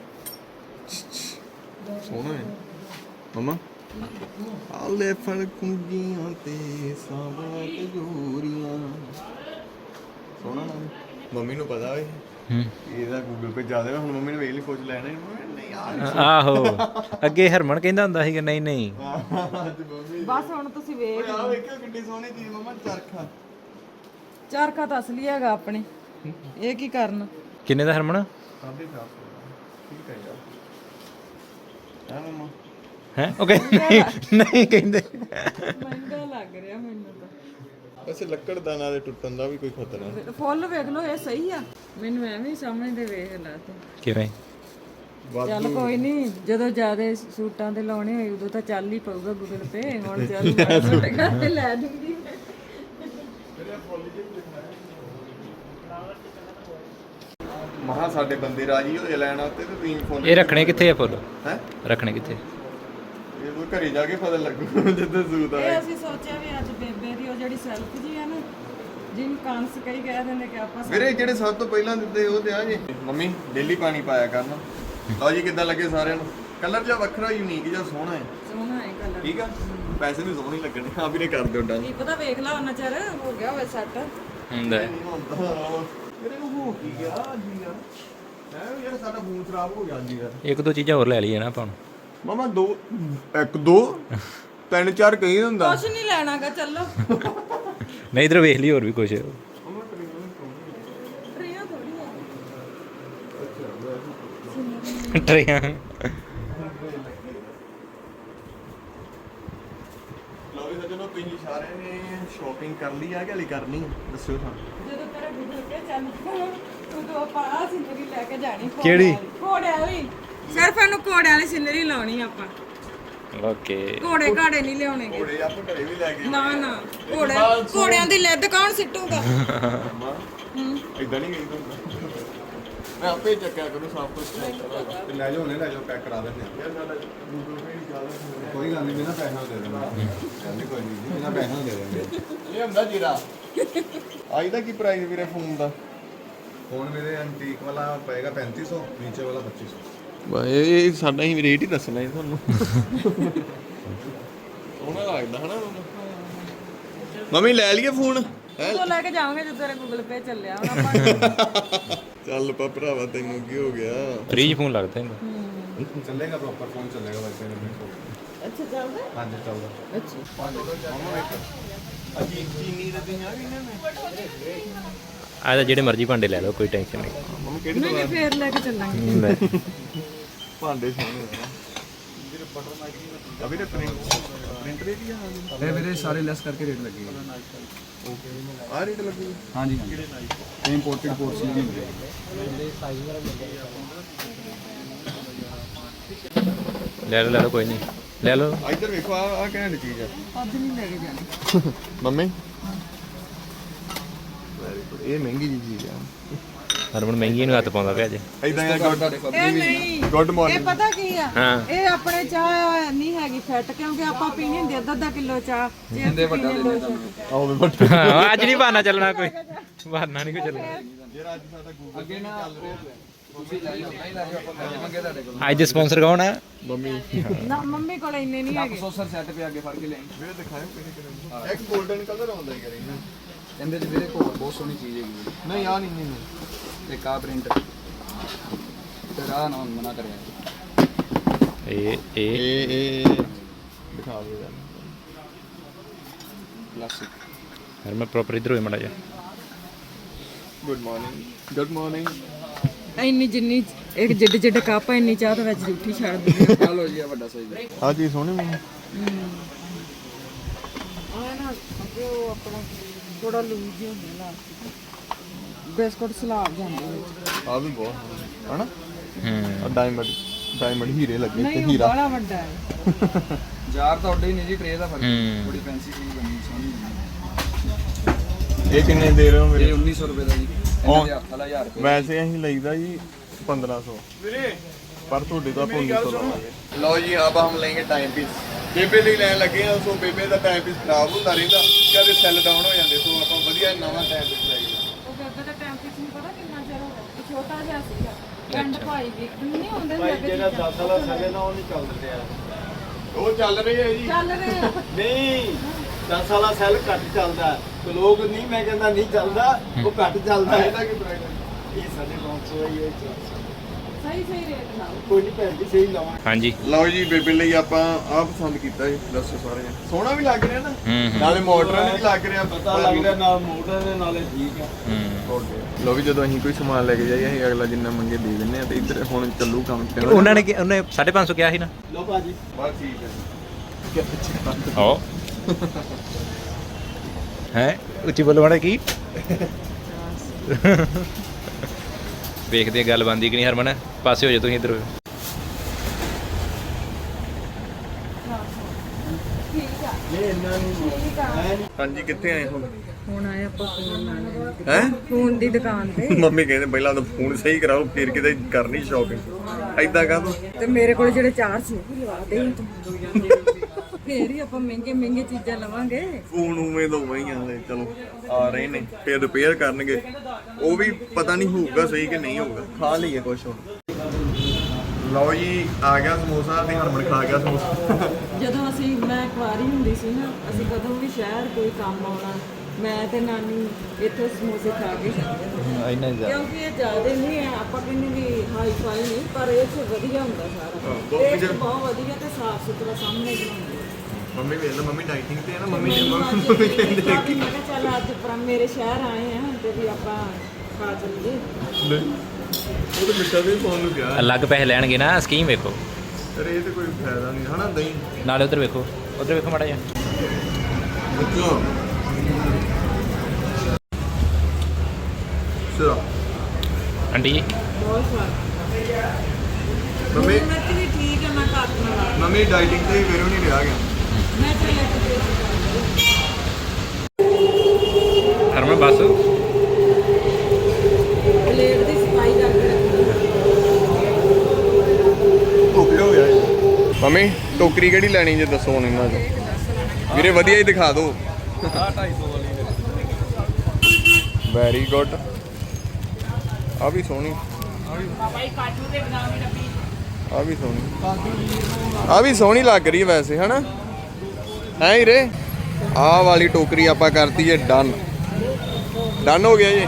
[SPEAKER 2] ਸੋਹਣਾ ਹੈ ਮਮਾ। ਆਲੇ ਫੜ ਕੁੰਜੀਆਂ ਤੇ ਸਾਬਾਤ ਜੋਰੀਆਂ, ਸੋਹਣਾ ਨਾ ਮੰਮੀ ਨੂੰ ਪਤਾ ਵੇ
[SPEAKER 5] ਹੂੰ
[SPEAKER 2] ਇਹਦਾ ਗੂਗਲ ਪੇ ਜ਼ਿਆਦਾ, ਹੁਣ ਮੰਮੀ ਨੇ ਵੇਖ ਲਈ ਕੁਝ ਲੈਣਾ ਹੀ ਨਹੀਂ ਯਾਰ।
[SPEAKER 5] ਆਹੋ ਅੱਗੇ ਹਰਮਨ ਕਹਿੰਦਾ ਹੁੰਦਾ ਸੀਗਾ ਨਹੀਂ ਨਹੀਂ
[SPEAKER 2] ਅੱਜ ਮੰਮੀ
[SPEAKER 3] ਬਸ ਹੁਣ ਤੁਸੀਂ ਵੇਖ
[SPEAKER 2] ਆ ਵੇਖਿਓ ਕਿੰਨੀ ਸੋਹਣੀ ਚੀਜ਼ ਮਮਾ, ਚਰਖਾ।
[SPEAKER 3] ਚਰਖਾ ਤਾਂ ਅਸਲੀ ਹੈਗਾ ਆਪਣੇ, ਇਹ ਕੀ ਕਰਨ?
[SPEAKER 5] ਕਿੰਨੇ ਦਾ ਹਰਮਨ
[SPEAKER 2] ਸਾਢੇ ਚਾਰ ਸੌ ਠੀਕ ਹੈ ਯਾਰ। ਹੈ ਮਮਾ
[SPEAKER 5] ਹੈ ਓਕੇ ਨਹੀਂ ਕਹਿੰਦੇ
[SPEAKER 3] ਮਹਿੰਗਾ ਲੱਗ ਰਿਹਾ ਮੈਨੂੰ ਤਾਂ।
[SPEAKER 2] ਵੈਸੇ ਲੱਕੜ ਦਾ ਨਾਲ ਟੁੱਟਣ ਦਾ ਵੀ ਕੋਈ ਖਤਰਾ ਨਹੀਂ।
[SPEAKER 3] ਫੁੱਲ ਵੇਖ ਲਓ, ਇਹ ਸਹੀ ਆ? ਮੈਨੂੰ ਐਵੇਂ ਹੀ ਸਮਝਦੇ ਵੇਖ ਲਾ ਤੇ।
[SPEAKER 5] ਕਿਵੇਂ?
[SPEAKER 3] ਚੱਲ ਕੋਈ ਨਹੀਂ, ਜਦੋਂ ਜ਼ਿਆਦਾ ਸੂਟਾਂ ਤੇ ਲਾਉਣੇ ਹੋਏ ਉਦੋਂ ਤਾਂ ਚੱਲ ਹੀ ਪਊਗਾ ਗੂਗਲ ਪੇ। ਹੁਣ ਚੱਲ ਮੈਂ ਤੁਹਾਡੇ ਘਰ ਤੇ ਲੈ ਦੂੰਗੀ।
[SPEAKER 2] ਮਹਾ ਸਾਡੇ ਬੰਦੇ ਰਾਜੀ ਹੋਏ ਲੈਣ ਆਤੇ ਤੇ ਤੁਸੀਂ ਫੋਨ
[SPEAKER 5] ਇਹ ਰੱਖਣੇ ਕਿੱਥੇ ਆ ਫੁੱਲ?
[SPEAKER 2] ਹੈ
[SPEAKER 5] ਰੱਖਣੇ ਕਿੱਥੇ?
[SPEAKER 2] ਇਹ ਉਹ ਘਰੇ ਜਾ ਕੇ ਪਤਾ ਲੱਗੂ ਜਿੱਦਾਂ ਸੂਤ
[SPEAKER 3] ਇਹ
[SPEAKER 2] ਆਏ।
[SPEAKER 3] ਅਸੀਂ ਸੋਚਿਆ ਵੀ ਅੱਜ ਬੇਬੇ ਦੀ ਉਹ ਜਿਹੜੀ ਸੈਲਫ ਜੀ ਆ ਨਾ, ਜਿਹਨੂੰ ਕਾਂਸ ਕਈ ਕਹਿ ਦਿੰਦੇ ਕਿ ਆਪਾਂ
[SPEAKER 2] ਵੀਰੇ ਜਿਹੜੇ ਸਭ ਤੋਂ ਪਹਿਲਾਂ ਦਿੱਤੇ ਉਹ ਤੇ ਆ ਜੀ ਮੰਮੀ ਡੇਲੀ ਪਾਣੀ ਪਾਇਆ ਕਰਨਾ। ਲਓ ਜੀ ਕਿੱਦਾਂ ਲੱਗੇ ਸਾਰਿਆਂ ਨੂੰ? ਕਲਰ ਜਿਹਾ ਵੱਖਰਾ, ਯੂਨੀਕ ਜਿਹਾ, ਸੋਹਣਾ ਹੈ।
[SPEAKER 3] ਸੋਹਣਾ ਹੈ ਕਲਰ।
[SPEAKER 2] ਠੀਕ ਆ, ਪੈਸੇ ਵੀ ਸੋਹਣੇ ਲੱਗਣੇ। ਹਾਂ ਵੀਰੇ ਕਰ ਦਿਓ ਡਨ।
[SPEAKER 3] ਕੀ ਪਤਾ ਵੇਖ ਲਾ ਉਹਨਾਂ ਚਿਰ ਹੋ ਗਿਆ ਹੋਵੇ ਸੈੱਟ।
[SPEAKER 5] ਹੁੰਦਾ ਹੈ।
[SPEAKER 2] ਵੀਰੇ ਨੂੰ ਹੋ ਕੀ ਗਿਆ ਜੀ ਯਾਰ? ਹੈ ਯਾਰ ਸਾਡਾ ਫੋਨ ਖਰਾਬ ਹੋ ਗਿਆ ਜੀ ਯਾਰ।
[SPEAKER 5] ਇੱਕ ਦੋ ਚੀਜ਼ਾਂ ਹੋਰ ਲੈ ਲਈਏ ਨਾ ਆਪਾਂ ਹੁਣ।
[SPEAKER 2] ਮਮਾ ਦੋ ਇੱਕ ਦੋ ਤਿੰਨ ਚਾਰ ਕਹੀ ਹੁੰਦਾ।
[SPEAKER 3] ਕੁਛ ਨਹੀਂ ਲੈਣਾਗਾ, ਚੱਲੋ।
[SPEAKER 5] ਨਹੀਂ ਇਧਰ ਵੇਖ ਲਈ ਹੋਰ ਵੀ ਕੁਝ
[SPEAKER 3] ਟਰੀਆਂ ਥੋੜੀ ਆ।
[SPEAKER 5] ਟਰੇਆਂ
[SPEAKER 2] ਲਓ ਵੀ ਸੱਜਣੋ, ਤੁਸੀਂ ਸਾਰਿਆਂ ਨੇ ਸ਼ਾਪਿੰਗ ਕਰ ਲਈ ਆ ਕਿ ਹਲੇ ਕਰਨੀ ਹੈ? ਦੱਸਿਓ ਸਾਨੂੰ।
[SPEAKER 3] ਜਦੋਂ ਤੇਰਾ ਗੂਗਲ ਪੇ ਚੱਲ ਪਿਆ ਉਦੋਂ ਆਪਾਂ ਆਹ ਸਿਨਰੀ ਲੈ ਕੇ ਜਾਣੀ। ਘੋੜੇ
[SPEAKER 5] ਕਿਹੜੀ?
[SPEAKER 3] ਵਾਲੀ। ਘੋੜੇ ਵਾਲੀ। ਸਿਰਫ ਇਹਨੂੰ ਘੋੜੇ ਵਾਲੀ ਸਿਨਰੀ ਲਾਉਣੀ ਆਪਾਂ।
[SPEAKER 5] ਓਕੇ
[SPEAKER 3] ਘੋੜੇ ਘਾੜੇ ਨਹੀਂ ਲਿਆਉਣੇਗੇ।
[SPEAKER 2] ਘੋੜੇ ਆਪਾਂ ਘਰੇ ਵੀ ਲੈ ਗਏ।
[SPEAKER 3] ਨਾ ਨਾ ਘੋੜੇ ਘੋੜਿਆਂ ਦੀ ਲਿੱਦ ਕੌਣ ਸਿੱਟੂਗਾ?
[SPEAKER 2] ਮਾਂ ਇਦਾਂ ਨਹੀਂ ਗਈ ਤੁਹਾਨੂੰ। ਮੈਂ ਆਪੇ ਚੱਕਿਆ ਕਰੂੰ ਸਭ ਕੁਝ।
[SPEAKER 6] ਤੇ ਲੈ ਜਾਓ ਨੇ ਲੈ ਜਾਓ, ਪੈਕ ਕਰਾ ਦਿੰਦੇ ਆ।
[SPEAKER 2] ਯਾਰ ਸਾਡਾ ਗੂਗਲ ਪੇ ਨਹੀਂ ਚੱਲਦਾ।
[SPEAKER 6] ਕੋਈ ਗੱਲ ਨਹੀਂ, ਬਿਨਾਂ ਪੈਸਿਆਂ ਦੇ ਦੇਵਾਂਗੇ। ਕਹਿੰਦੇ ਕੋਈ ਨਹੀਂ, ਬਿਨਾਂ ਪੈਸਿਆਂ ਦੇ ਦੇਵਾਂਗੇ।
[SPEAKER 2] ਇਹ ਹੁੰਦਾ ਜੀਰਾ। ਆਈ ਦਾ ਕੀ ਪ੍ਰਾਈਸ ਵੀਰੇ ਫੋਨ ਦਾ?
[SPEAKER 6] ਫੋਨ ਮੇਰੇ ਐਂਟੀਕ ਵਾਲਾ ਪਏਗਾ ਪੈਂਤੀ ਸੌ, ਨੀਚੇ ਵਾਲਾ ਪੱਚੀ ਸੌ।
[SPEAKER 2] ਇਹ ਸਾਡਾ ਹੀ ਰੇਟ ਹੀ ਦੱਸਣਾ ਹੈ ਤੁਹਾਨੂੰ। ਸੋਹਣਾ ਲੱਗਦਾ ਹਨਾ ਮੰਮੀ? ਲੈ ਲਈਏ ਫੋਨ?
[SPEAKER 3] ਉਦੋਂ ਲੈ ਕੇ ਜਾਵਾਂਗੇ ਜਦੋਂ ਤੇਰਾ ਗੂਗਲ ਪੇ ਚੱਲਿਆ ਹੁਣ ਆਪਾਂ।
[SPEAKER 2] ਚੱਲ ਪਾ ਭਰਾਵਾ, ਤੈਨੂੰ ਕੀ ਹੋ ਗਿਆ?
[SPEAKER 5] ਫ੍ਰੀ ਫੋਨ ਲੱਗਦਾ ਇਹਦਾ।
[SPEAKER 6] ਚੱਲੇਗਾ ਪ੍ਰੋਪਰ ਫੋਨ ਚੱਲੇਗਾ ਵੈਸੇ ਮੇਰੇ ਕੋਲ।
[SPEAKER 3] ਅੱਛਾ ਚੱਲਦਾ।
[SPEAKER 6] ਹਾਂਜੀ ਚੱਲਦਾ।
[SPEAKER 3] ਅੱਛਾ
[SPEAKER 2] ਅਜੀ ਚੀਨੀ ਦੇ ਤੇ ਆ ਵੀ ਨਾ ਮੈਂ
[SPEAKER 5] ਆ ਤਾਂ ਜਿਹੜੇ ਮਰਜ਼ੀ ਭਾਂਡੇ ਲੈ ਲਓ, ਕੋਈ ਟੈਨਸ਼ਨ ਨਹੀਂ।
[SPEAKER 2] ਮੰਮੀ ਕਿਹੜੀ
[SPEAKER 3] ਨਹੀਂ ਨਹੀਂ ਫੇਰ ਲੈ ਕੇ ਚੱਲਾਂਗੇ।
[SPEAKER 5] ਲੈ।
[SPEAKER 2] ਭਾਂਡੇ ਸੋਹਣੇ ਆ। ਅਭੀ ਤੇ ਪ੍ਰਿੰਟ ਪ੍ਰਿੰਟ ਰੇਟ ਹੀ ਆ।
[SPEAKER 7] ਇਹ ਵੀਰੇ ਸਾਰੇ ਲੈਸ ਕਰਕੇ ਰੇਟ ਲੱਗੇ
[SPEAKER 2] ਓਕੇ ਆ ਰੇਟ ਲੱਗੂ?
[SPEAKER 7] ਹਾਂਜੀ ਹਾਂਜੀ ਇਹ ਇੰਪੋਰਟਡ ਕੋਰਸ ਨਹੀਂ ਹੁੰਦੇ।
[SPEAKER 5] ਲੈ ਲਓ ਲੈ ਲਓ ਕੋਈ ਨਹੀਂ, ਲੈ ਲਓ।
[SPEAKER 2] ਇੱਧਰ ਵੇਖੋ, ਆ ਆ ਕਿਹੜੀ ਚੀਜ਼ ਆ?
[SPEAKER 3] ਅੱਜ ਨਹੀਂ ਲੈ ਕੇ ਜਾਣੀ।
[SPEAKER 2] Mummy very good. ਇਹ ਮਹਿੰਗੀ ਜੀ ਚੀਜ਼ ਆ।
[SPEAKER 5] ਹਰਮਨ ਮਹਿੰਗੀ ਨੂੰ ਹੱਥ ਪਾਉਂਦਾ ਪਿਆ ਅੱਜ।
[SPEAKER 2] ਇਦਾਂ ਆ ਗੁੱਡ
[SPEAKER 3] ਇਹ ਨਹੀਂ,
[SPEAKER 2] ਗੁੱਡ
[SPEAKER 3] ਇਹ
[SPEAKER 2] ਮਾਰਨਿੰਗ।
[SPEAKER 3] ਪਤਾ ਕੀ ਆ?
[SPEAKER 5] ਹਾਂ।
[SPEAKER 3] ਇਹ ਆਪਣੇ ਚਾਹ ਨਹੀਂ ਹੈਗੀ ਫਿੱਟ, ਕਿਉਂਕਿ ਆਪਾਂ ਪੀਣੀ ਹੁੰਦੀ ਅੱਧਾ ਅੱਧਾ ਕਿਲੋ ਚਾਹ। ਜੇ ਅਸੀਂ ਪੀਣੇ ਦੋ ਸ਼ਾਟ।
[SPEAKER 2] ਆਓ ਵੀ ਬੱਟ।
[SPEAKER 5] ਹਾਂ, ਅੱਜ ਨਹੀਂ ਬਹਾਨਾ ਚੱਲਣਾ, ਕੋਈ ਬਹਾਨਾ ਨਹੀਂ ਕੋਈ ਚੱਲਣਾ।
[SPEAKER 2] ਯਾਰ ਅੱਜ ਸਾਡਾ ਗੂਗਲ
[SPEAKER 7] ਅੱਗੇ ਨਾ ਤੁਸੀਂ ਲੈ ਜਾਓ, ਨਹੀਂ ਲੈ ਜਾਓ, ਆਪਾਂ ਪੈਸੇ ਮੰਗੇ ਤੁਹਾਡੇ ਕੋਲ।
[SPEAKER 5] ਅੱਜ ਦੇ ਸਪਾਂਸਰ ਕੌਣ ਆ?
[SPEAKER 2] ਮੰਮੀ
[SPEAKER 3] ਨਾ ਮੰਮੀ ਕੋਲ ਇੰਨੇ ਨਹੀਂ ਹੈਗੇ।
[SPEAKER 7] ਪ੍ਰੋਸੈਸਰ ਸੈੱਟ ਪੇ ਅੱਗੇ ਫੜ ਕੇ ਲੈ
[SPEAKER 2] ਵੀਰੇ ਦਿਖਾਇਓ ਕਿਹੜੇ ਕਿਹੜੇ। ਇੱਕ 골ਡਨ ਕਲਰ ਆਉਂਦਾ ਯਾਰ ਇਹਨਾਂ।
[SPEAKER 7] ਇਹਦੇ ਚ ਵੀਰੇ ਕੋਲ ਬਹੁਤ ਸੋਹਣੀ ਚੀਜ਼ ਹੈਗੀ ਹੈ।
[SPEAKER 2] ਨਹੀਂ ਆ ਨਹੀਂ ਨਹੀਂ
[SPEAKER 7] ਇੱਕ ਆ ਪ੍ਰਿੰਟ ਤੇ ਰਾਹ ਨਾ ਮਨਾ ਕਰਿਆ।
[SPEAKER 5] ਇਹ ਇਹ
[SPEAKER 2] ਇਹ ਇਹ ਦਿਖਾ ਦਿਓ ਯਾਰ।
[SPEAKER 7] ਕਲਾਸਿਕ
[SPEAKER 5] ਹਰਮਨ ਪ੍ਰੋਪਰ ਇਧਰ ਹੋਏ ਮੜਾ ਜਾ।
[SPEAKER 2] Good morning good morning.
[SPEAKER 3] ਇੰਨੀ ਜਿੰਨੀ ਇੱਕ ਜਿੱਡ ਜਿੱਡ ਕੱਪ ਆ, ਇੰਨੀ ਚਾਹ ਤਾਂ ਵਿੱਚ ਜੂਠੀ ਛੱਡ ਦਿੰਦੀ
[SPEAKER 7] ਆ ਲੋ ਜੀ ਆ ਵੱਡਾ ਸਾਈਜ਼
[SPEAKER 2] ਆ ਚੀਜ਼ ਸੋਹਣੀ ਮੈਨੂੰ।
[SPEAKER 3] ਆ ਨਾ ਅੱਗੇ ਉਹ ਆਪਣਾ ਥੋੜਾ ਲੂਜ਼ ਜਿਹਾ ਹੁੰਦਾ ਲਾਸਟਿਕ ਬਿਸਕੁਟ ਸਲਾਬ ਜਾਂਦੇ ਵਿੱਚ।
[SPEAKER 2] ਆ ਵੀ ਬਹੁਤ ਹਨਾ
[SPEAKER 5] ਹੂੰ
[SPEAKER 2] ਆ ਡਾਇਮੰਡ ਡਾਇਮੰਡ ਹੀਰੇ ਲੱਗੇ ਤੇ
[SPEAKER 3] ਨਹੀਂ ਉਹ
[SPEAKER 2] ਹੀਰਾ
[SPEAKER 3] ਬੜਾ ਵੱਡਾ ਹੈ।
[SPEAKER 7] ਯਾਰ ਤਾਂ ਉੱਡੇ ਹੀ ਨਹੀਂ ਜੀ ਟਰੇ ਦਾ ਫਰਕ
[SPEAKER 5] ਹੂੰ।
[SPEAKER 7] ਬੜੀ ਫੈਂਸੀ ਚੀਜ਼ ਬਣੀ ਸੋਹਣੀ
[SPEAKER 2] ਇਹ ਕਿੰਨੇ ਦੇ ਰਹੇ ਹੋ ਮੇਰੇ?
[SPEAKER 7] ਇਹ ਉੱਨੀ ਸੌ ਰੁਪਏ ਦਾ ਜੀ ਇਹਨਾਂ ਦੇ ਹੱਥ ਵਾਲਾ ਹਜ਼ਾਰ ਰੁਪਏ
[SPEAKER 2] ਵੈਸੇ ਅਸੀਂ ਲਈਦਾ ਜੀ पंद्रह सौ पर ਤੁਹਾਡੇ ਤੋਂ ਆਪਾਂ उन्नीस सौ ਲਵਾਂਗੇ। ਲਓ ਜੀ ਆਪ ਹਮ ਲੈਂਗੇ ਟਾਈਮ ਪੀਸ ਬੇਬੇ ਲਈ ਲੈਣ ਲੱਗੇ ਆ। ਸੋ ਬੇਬੇ ਦਾ ਟਾਈਮ ਪੀਸ ਖਰਾਬ ਹੁੰਦਾ ਰਹਿੰਦਾ, ਕਦੇ ਸੈੱਲ ਡਾਊਨ ਹੋ ਜਾਂਦੇ, ਸੋ ਆਪਾਂ ਵਧੀਆ ਨਵਾਂ ਟਾਈਮ ਪੀਸ ਲਾਈਏ।
[SPEAKER 3] ਉਹ ਬੇਬੇ ਦਾ ਟਾਈਮ ਕਿਸ ਨੂੰ ਪਤਾ ਕਿੰਨਾ ਚਿਰ ਹੋ ਗਿਆ, ਛੋਟਾ ਜਿਹਾ ਸੀਗਾ ਪਿੰਡ ਭਾਈ ਵੀ ਨਹੀਂ ਆਉਂਦੇ ਸੀ ਅੱਗੇ ਜਿਹੜਾ ਦਸ ਸਾਲਾ ਸਗੇ ਨਾ ਉਹ ਨਹੀਂ ਚੱਲਦੇ ਆ।
[SPEAKER 2] ਉਹ ਚੱਲ ਰਹੀ ਹੈ ਜੀ।
[SPEAKER 3] ਚੱਲ ਰਹੇ ਆ
[SPEAKER 8] ਨਹੀਂ ਦਸ ਵਾਲਾ ਸੈੱਲ ਘੱਟ ਚੱਲਦਾ ਤੇ ਲੋਕ ਨਹੀਂ, ਮੈਂ ਕਹਿੰਦਾ ਨਹੀਂ ਚੱਲਦਾ, ਉਹ ਘੱਟ ਚੱਲਦਾ ਹੈ।
[SPEAKER 2] ਇਹਦਾ ਕੀ ਪ੍ਰਾਈਸ ਹੈ?
[SPEAKER 8] ਇਹ ਸਾਡੇ ਪੰਜ ਸੌ ਹੀ ਹੈ,
[SPEAKER 3] ਸਹੀ ਸਹੀ ਰੇਟ ਨਾਲ
[SPEAKER 8] ਕੋਈ ਨਹੀਂ ਭੈਣ ਜੀ ਸਹੀ ਲਵਾਂ।
[SPEAKER 5] ਹਾਂਜੀ
[SPEAKER 2] ਲਓ ਜੀ ਬੇਬੇ ਲਈ ਆਪਾਂ ਆਹ ਪਸੰਦ ਕੀਤਾ ਜੀ। ਦੱਸੋ ਸਾਰੇ ਜਣੇ। ਸੋਹਣਾ ਵੀ ਲੱਗ ਰਿਹਾ ਨਾ,
[SPEAKER 5] ਹੂੰ ਹੂੰ
[SPEAKER 2] ਨਾਲੇ ਮਾਡਰਨ ਵੀ ਲੱਗ ਰਿਹਾ,
[SPEAKER 8] ਪਤਾ ਲੱਗ ਰਿਹਾ ਨਾਲ ਮੋਟਰ ਦੇ ਨਾਲੇ ਠੀਕ ਆ।
[SPEAKER 5] ਹੂੰ
[SPEAKER 2] ਲਓ ਵੀ ਜਦੋਂ ਅਸੀਂ ਕੋਈ ਸਮਾਨ ਲੈ ਕੇ ਜਾਈਏ ਅਸੀਂ ਅਗਲਾ ਜਿੰਨਾ ਮੰਗੇ ਦੇ ਦਿੰਦੇ ਆ। ਤੇ ਇੱਧਰ ਹੁਣ ਚੱਲੂ ਕੰਮ ਤੇ
[SPEAKER 5] ਉਹਨਾਂ ਨੇ ਕਿ- ਉਹਨੇ ਸਾਢੇ ਪੰਜ ਸੌ ਕਿਹਾ ਸੀ ਨਾ।
[SPEAKER 8] ਲੋ ਭਾਜੀ
[SPEAKER 2] ਬਸ ਠੀਕ ਹੈ।
[SPEAKER 5] ਆਓ ਹੈ ਉੱਚੀ ਬੋਲੋ ਮਾੜਾ ਕੀ ਵੇਖਦੇ ਆ ਗੱਲ ਬਣਦੀ ਕਿ ਨਹੀਂ। ਹਰਮਨ ਪਾਸੇ ਹੋ ਜਾ ਤੁਸੀਂ ਇੱਧਰ।
[SPEAKER 8] ਇਹ ਇੰਨਾ ਨਹੀਂ
[SPEAKER 2] ਹਾਂਜੀ ਕਿੱਥੇ ਆਏ ਹੋ?
[SPEAKER 3] ਹੁਣ ਆਏ ਆਪਾਂ ਫੋਨ ਲੈਣ
[SPEAKER 2] ਹੈ
[SPEAKER 3] ਫੋਨ ਦੀ ਦੁਕਾਨ ਤੇ।
[SPEAKER 2] ਮੰਮੀ ਕਹਿੰਦੇ ਪਹਿਲਾਂ ਤਾਂ ਫੋਨ ਸਹੀ ਕਰਾਓ ਫਿਰ ਕਿਤੇ ਕਰਨੀ ਸ਼ਾਪਿੰਗ। ਐਦਾਂ ਕਾਹ ਤੋਂ?
[SPEAKER 3] ਤੇ ਮੇਰੇ ਕੋਲ ਜਿਹੜੇ ਚਾਰ ਸੀ ਉਹ ਵੀ ਲਵਾ ਦੇ ਤੂੰ ਫੇਰ ਹੀ ਆਪਾਂ ਮਹਿੰਗੇ ਮਹਿੰਗੇ ਚੀਜ਼ਾਂ ਲਵਾਂਗੇ।
[SPEAKER 2] ਫੋਨ ਉਵੇਂ ਤੋਂ ਵਹੀਂ ਆਲੇ ਚਲੋ ਆ ਰਹੇ ਨੇ, ਫਿਰ ਰਿਪੇਅਰ ਕਰਨਗੇ, ਉਹ ਵੀ ਪਤਾ ਨਹੀਂ ਹੋਊਗਾ ਸਹੀ ਕਿ ਨਹੀਂ ਹੋਊਗਾ। ਖਾ ਲਈਏ ਕੁਛ ਹੁਣ। ਲਓ ਜੀ ਆ ਗਿਆ ਸਮੋਸਾ ਤੇ ਹਰਮਨ ਖਾ ਗਿਆ ਸਮੋਸਾ।
[SPEAKER 3] ਜਦੋਂ ਅਸੀਂ ਮੈਂ ਕੁਆਰੀ ਹੁੰਦੀ ਸੀ ਨਾ, ਅਸੀਂ ਕਦੋਂ ਵੀ ਸ਼ਹਿਰ ਕੋਈ ਕੰਮ ਆਉਣਾ, ਮੈਂ ਤੇ ਨਾਨੀ ਇੱਥੇ ਸਮੋਸੇ ਖਾ ਕੇ ਜਾਂਦੇ
[SPEAKER 5] ਇੰਨਾ
[SPEAKER 3] ਕਿਉਂਕਿ ਇਹ ਜ਼ਿਆਦਾ ਨਹੀਂ ਹੈ, ਆਪਾਂ ਕਹਿੰਦੇ ਵੀ ਹਾਈ ਫਾਈ ਨਹੀਂ, ਪਰ ਇਹ ਚ ਵਧੀਆ ਹੁੰਦਾ ਸਾਰਾ। ਟੇਸਟ ਬਹੁਤ ਵਧੀਆ ਤੇ ਸਾਫ ਸੁਥਰਾ ਸਾਹਮਣੇ ਬਣਾਉਂਦੇ।
[SPEAKER 2] ਮੰਮੀ ਵੇਖ ਲਓ, ਮੰਮੀ ਡਾਈਟਿੰਗ ਤੇ ਹੈ ਨਾ। ਮੰਮੀ ਨੇ
[SPEAKER 3] ਮੰਮੀ
[SPEAKER 2] ਮੰਮੀ ਕਹਿੰਦੇ
[SPEAKER 3] ਬਾਕੀ ਮੈਂ ਕਿਹਾ ਚੱਲ ਅੱਜ ਪਰ ਮੇਰੇ ਸ਼ਹਿਰ ਆਏ ਆ ਤੇ ਵੀ ਆਪਾਂ ਖਾ ਚੱਲੀਏ।
[SPEAKER 2] ਉਹ ਤਾਂ ਮਿੱਠਾ ਵੀ ਫੋਨ ਨੂੰ ਕਿਹਾ।
[SPEAKER 5] ਅਲੱਗ ਪੈਸੇ ਲੈਣਗੇ ਨਾ। ਸਕੀਮ ਵੇਖੋ
[SPEAKER 2] ਪਰ ਇਹ ਤੇ ਕੋਈ ਫਾਇਦਾ ਨਹੀਂ ਹਨਾ। ਦਹੀਂ
[SPEAKER 5] ਨਾਲੇ ਉਧਰ ਵੇਖੋ, ਉਧਰ ਵੇਖੋ ਮਾੜਾ ਜਿਹਾ।
[SPEAKER 2] ਬੱਚੋ ਚਲੋ
[SPEAKER 5] ਆਂਟੀ ਜੀ
[SPEAKER 3] ਬਹੁਤ ਸਵਾਦ।
[SPEAKER 2] ਮੰਮੀ
[SPEAKER 3] ਮੈਂ ਵੀ ਠੀਕ ਹੈ, ਮੈਂ ਘਰ ਬਣਾ
[SPEAKER 2] ਮੰਮੀ ਡਾਈਟਿੰਗ ਤੇ ਫਿਰ ਨਹੀਂ ਰਿਹਾ ਗਿਆ।
[SPEAKER 3] ਮੈਂ ਚੱਲਿਆ ਕਿ
[SPEAKER 5] ਹਰਮਨ ਬਸ
[SPEAKER 3] ਪਲੇਟ ਦੀ ਸਫਾਈ ਕਰਕੇ ਰੱਖਣੀ।
[SPEAKER 2] ਓਕੇ ਹੋ ਗਿਆ ਜੀ। ਮੰਮੀ ਟੋਕਰੀ ਕਿਹੜੀ ਲੈਣੀ ਜੇ ਦੱਸੋ ਹੁਣ ਇਹਨਾਂ ਚੋਂ। ਵੀਰੇ ਵਧੀਆ ਹੀ ਦਿਖਾ ਦਿਓ।
[SPEAKER 7] ਆ ਢਾਈ ਸੌ ਵਾਲੀ
[SPEAKER 2] ਵੈਰੀ ਗੁੱਡ। ਆ ਵੀ ਸੋਹਣੀ, ਆ ਵੀ ਸੋਹਣੀ, ਆ ਵੀ ਸੋਹਣੀ ਲੱਗ ਰਹੀ ਹੈ ਵੈਸੇ ਹਨਾ। ਹੈ ਹੀਰੇ ਆਹ ਵਾਲੀ ਟੋਕਰੀ ਆਪਾਂ ਕਰਤੀ ਹੈ ਡਨ। ਡਨ ਹੋ ਗਿਆ ਜੀ।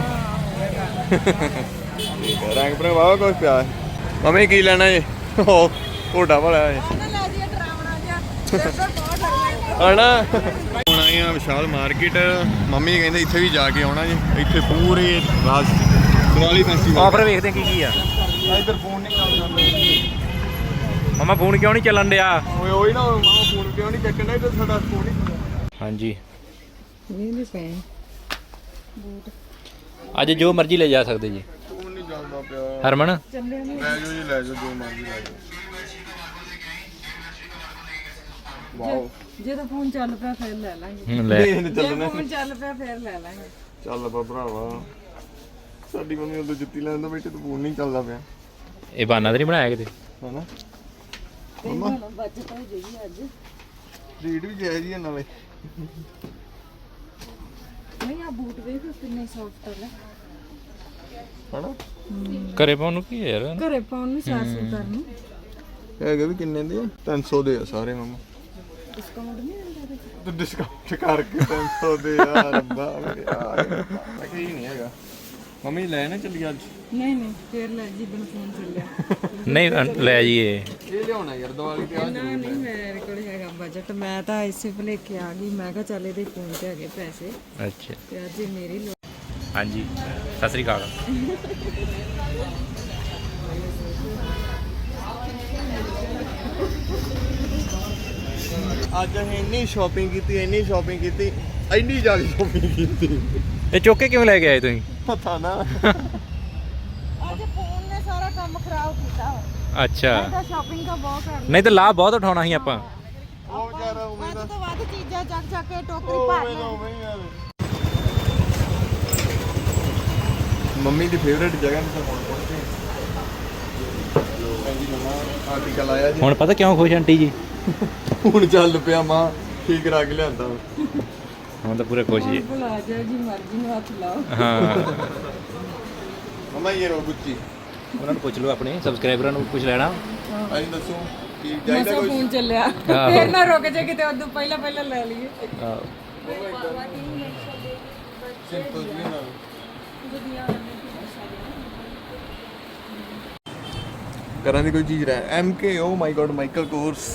[SPEAKER 2] ਠੀਕ ਹੈ, ਰੰਗ ਬਰੰਗ ਵਾਵਾ ਕੁਝ ਪਿਆ ਹੈ। ਮੰਮੀ ਕੀ ਲੈਣਾ ਜੀ? ਉਹ ਢੋਡਾ ਵਾਲਾ ਹੈ
[SPEAKER 3] ਲੈ ਜੀ ਡਰਾਵਣਾ ਜਿਹਾ ਬਹੁਤ ਡਰ
[SPEAKER 2] ਹਣਾ। ਹੁਣ ਆਏ ਆ ਵਿਸ਼ਾਲ ਮਾਰਕੀਟ। ਮੰਮੀ ਕਹਿੰਦੇ ਇੱਥੇ ਵੀ ਜਾ ਕੇ ਆਉਣਾ ਜੀ। ਇੱਥੇ ਪੂਰੇ ਰਾਜ ਦਿਵਾਲੀ ਫੈਸਟੀਵਲ
[SPEAKER 5] ਆਫਰ ਵੇਖਦੇ ਕੀ ਕੀ ਆ।
[SPEAKER 2] ਇੱਧਰ ਫੋਨ ਨਹੀਂ ਚੱਲਦਾ।
[SPEAKER 5] ਮਮਾ ਫੋਨ ਕਿਉਂ ਨਹੀਂ ਚੱਲਣ ਡਿਆ?
[SPEAKER 2] ਓਏ ਓਏ ਨਾ ਮਾਂ ਫੋਨ ਕਿਉਂ ਨਹੀਂ ਚੱਕਣਾ? ਇੱਧਰ ਸਾਡਾ ਫੋਨ ਨਹੀਂ।
[SPEAKER 5] ਹਾਂਜੀ
[SPEAKER 3] ਨਹੀਂ ਨਹੀਂ ਪੈ
[SPEAKER 5] ਅੱਜ ਜੋ ਮਰਜ਼ੀ ਲੈ ਜਾ ਸਕਦੇ ਜੀ।
[SPEAKER 2] ਫੋਨ ਨਹੀਂ ਚੱਲਦਾ ਪਿਆ।
[SPEAKER 5] ਹਰਮਨ
[SPEAKER 2] ਲੈ ਜਾਓ ਜੀ, ਲੈ ਜਾਓ ਜੋ ਮਰਜ਼ੀ ਲੈ ਜਾਓ। ਵਾਓ
[SPEAKER 3] ਜਦੋਂ ਫੋਨ ਚੱਲ ਪਿਆ ਫਿਰ ਲੈ ਲਾਂਗੇ।
[SPEAKER 5] ਲੈ
[SPEAKER 2] ਇਹ ਚੱਲਣਾ।
[SPEAKER 3] ਜੇ ਫੋਨ ਚੱਲ ਪਿਆ ਫਿਰ ਲੈ ਲਾਂਗੇ।
[SPEAKER 2] ਚੱਲ ਬਾ ਭਰਾਵਾ, ਸਾਡੀ ਮੰਮੀ ਉਦੋਂ ਜੁੱਤੀ ਲੈਣ ਤੋਂ ਬੈਠੇ ਤੇ ਫੋਨ ਨਹੀਂ ਚੱਲਦਾ ਪਿਆ
[SPEAKER 5] ਇਹ ਬਹਾਨਾ ਤਾਂ ਨਹੀਂ ਬਣਾਇਆ ਕਿਤੇ।
[SPEAKER 2] ਹਨਾ।
[SPEAKER 3] ਮੰਮਾ ਬਚਤ ਹੋ ਜੇਗੀ ਅੱਜ।
[SPEAKER 2] ਰੇਟ ਵੀ ਜਾਇਜ਼ ਹੀ ਆ ਨਾਲੇ।
[SPEAKER 3] ਨਹੀਂ ਆ ਬੂਟ ਵੇਖ ਕਿੰਨੇ ਸੌਫਟ ਹੈ।
[SPEAKER 2] ਹਨਾ
[SPEAKER 5] ਘਰੇ ਪਾਉਣ ਨੂੰ ਕੀ ਹੈ ਯਾਰ?
[SPEAKER 3] ਘਰੇ ਪਾਉਣ ਨੂੰ ਚਾਰ ਸੌ ਕਰਨ ਨੂੰ
[SPEAKER 2] ਹੈਗੇ ਵੀ ਕਿੰਨੇ ਦੇ ਆ? ਤਿੰਨ ਸੌ ਦੇ ਆ ਸਾਰੇ ਮੰਮਾ।
[SPEAKER 3] ਡਿਸਕਾਊਂਟ ਨਹੀਂ ਹੁੰਦਾ
[SPEAKER 2] ਤੂੰ ਡਿਸਕਾਊਂਟ ਕਰਕੇ ਤਿੰਨ ਸੌ ਦੇ ਆ ਰੱਬਾ ਮੇਰੇ ਯਾਰ। ਮੈਂ ਕੀ ਨਹੀਂ ਹੈਗਾ। ਮੰਮੀ ਲੈ ਨਾ ਚੱਲੀ ਅੱਜ।
[SPEAKER 3] ਨਹੀਂ ਨਹੀਂ ਫਿਰ ਲੈ ਜੀ ਬਨ ਫੋਨ ਚੱਲਿਆ।
[SPEAKER 5] ਨਹੀਂ ਲੈ ਜਾਈਏ।
[SPEAKER 2] ਇਹ ਲਿਆਉਣਾ ਯਾਰ ਦੀਵਾਲੀ ਤੇ ਆ।
[SPEAKER 3] ਨਾ ਨਹੀਂ ਮੇਰੇ ਕੋਲ ਹੈਗਾ ਬਜਟ। ਮੈਂ ਤਾਂ ਇਸੇ ਭੁਲੇਖੇ ਆ ਗਈ। ਮੈਂ ਕਿਹਾ ਚੱਲ ਇਹਦੇ ਫੋਨ ਤੇ ਹੈਗੇ ਪੈਸੇ
[SPEAKER 5] ਅੱਛਾ
[SPEAKER 3] ਤੇ ਅੱਜ ਇਹ ਮੇਰੀ ਲੋੜ।
[SPEAKER 5] ਹਾਂਜੀ ਸਤਿ ਸ੍ਰੀ ਅਕਾਲ।
[SPEAKER 2] ਅੱਜ ਅਸੀਂ ਇੰਨੀ ਸ਼ਾਪਿੰਗ ਕੀਤੀ ਇੰਨੀ ਸ਼ਾਪਿੰਗ ਕੀਤੀ ਇੰਨੀ ਜ਼ਿਆਦਾ ਸ਼ਾਪਿੰਗ ਕੀਤੀ
[SPEAKER 5] ਇਹ ਚੁੱਕ ਕੇ ਕਿਵੇਂ ਲੈ ਕੇ ਆਏ ਤੁਸੀਂ?
[SPEAKER 2] ਪਤਾ ਨਾ
[SPEAKER 3] ਅੱਜ ਫੋਨ ਨੇ ਸਾਰਾ ਕੰਮ ਖਰਾਬ ਕੀਤਾ।
[SPEAKER 5] ਅੱਛਾ
[SPEAKER 3] ਤਾਂ ਸ਼ਾਪਿੰਗ ਤਾਂ ਬਹੁਤ ਕਰਨੀ।
[SPEAKER 5] ਨਹੀਂ ਤਾਂ ਲਾਭ ਬਹੁਤ ਉਠਾਉਣਾ ਸੀ ਆਪਾਂ।
[SPEAKER 2] ਉਹ ਯਾਰ ਉਵੇਂ
[SPEAKER 3] ਵੱਧ
[SPEAKER 2] ਦਾ
[SPEAKER 3] ਤੋਂ ਵੱਧ ਚੀਜ਼ਾਂ ਚੱਕ ਚੱਕ ਕੇ ਟੋਕਰੀ ਭਰ
[SPEAKER 2] ਉਵੇਂ ਦਾ
[SPEAKER 3] ਲੈ।
[SPEAKER 2] ਉਵੇਂ ਹੀ ਯਾਰ ਮੰਮੀ ਦੀ ਫੇਵਰੇਟ ਜਗ੍ਹਾ ਤੇ ਹੁਣ ਪਹੁੰਚੇ ਹਾਂਜੀ ਮਮਾ ਆਰਟੀਕਲ ਆਇਆ ਜੀ
[SPEAKER 5] ਹੁਣ ਪਤਾ ਕਿਉਂ ਖੁਸ਼ ਆਂਟੀ ਜੀ?
[SPEAKER 2] ਹੁਣ ਚੱਲ ਪਿਆ ਮਾਂ ਠੀਕ ਕਰਾ ਕੇ ਲਿਆਂਦਾ
[SPEAKER 5] ਹੁਣ ਤਾਂ ਪੂਰੇ ਖੁਸ਼ ਜੀ।
[SPEAKER 3] ਭੁਲਾ ਜਾ ਜੀ ਮਰਜ਼ੀ ਨੂੰ ਹੱਥ ਲਾਓ।
[SPEAKER 5] ਹਾਂ
[SPEAKER 2] ਮਮਾ ਇਹ ਰੋ ਗੁੱਚੀ
[SPEAKER 5] ਉਹਨਾਂ ਨੂੰ ਪੁੱਛ ਲਓ ਆਪਣੇ ਸਬਸਕ੍ਰਾਈਬਰਾਂ ਨੂੰ ਕੁਝ ਲੈਣਾ।
[SPEAKER 2] ਅੱਜ ਦੱਸੋ ਕੀ ਚਾਹੀਦਾ
[SPEAKER 3] ਮਸਾ
[SPEAKER 2] ਕੁਝ
[SPEAKER 3] ਫੋਨ ਚੱਲਿਆ
[SPEAKER 5] ਆਹੋ।
[SPEAKER 3] ਫੇਰ ਨਾ ਰੁਕ ਜਾ ਕਿਤੇ ਉਦੋਂ ਪਹਿਲਾਂ ਪਹਿਲਾਂ ਲੈ ਲਈਏ।
[SPEAKER 5] ਆਹੋ।
[SPEAKER 2] ਸਿੰਪਲ ਜੀ ਨਾਲ ਕਰਾਂ ਦੀ ਕੋਈ ਚੀਜ਼ ਰਹਿ M K oh my god Michael Kors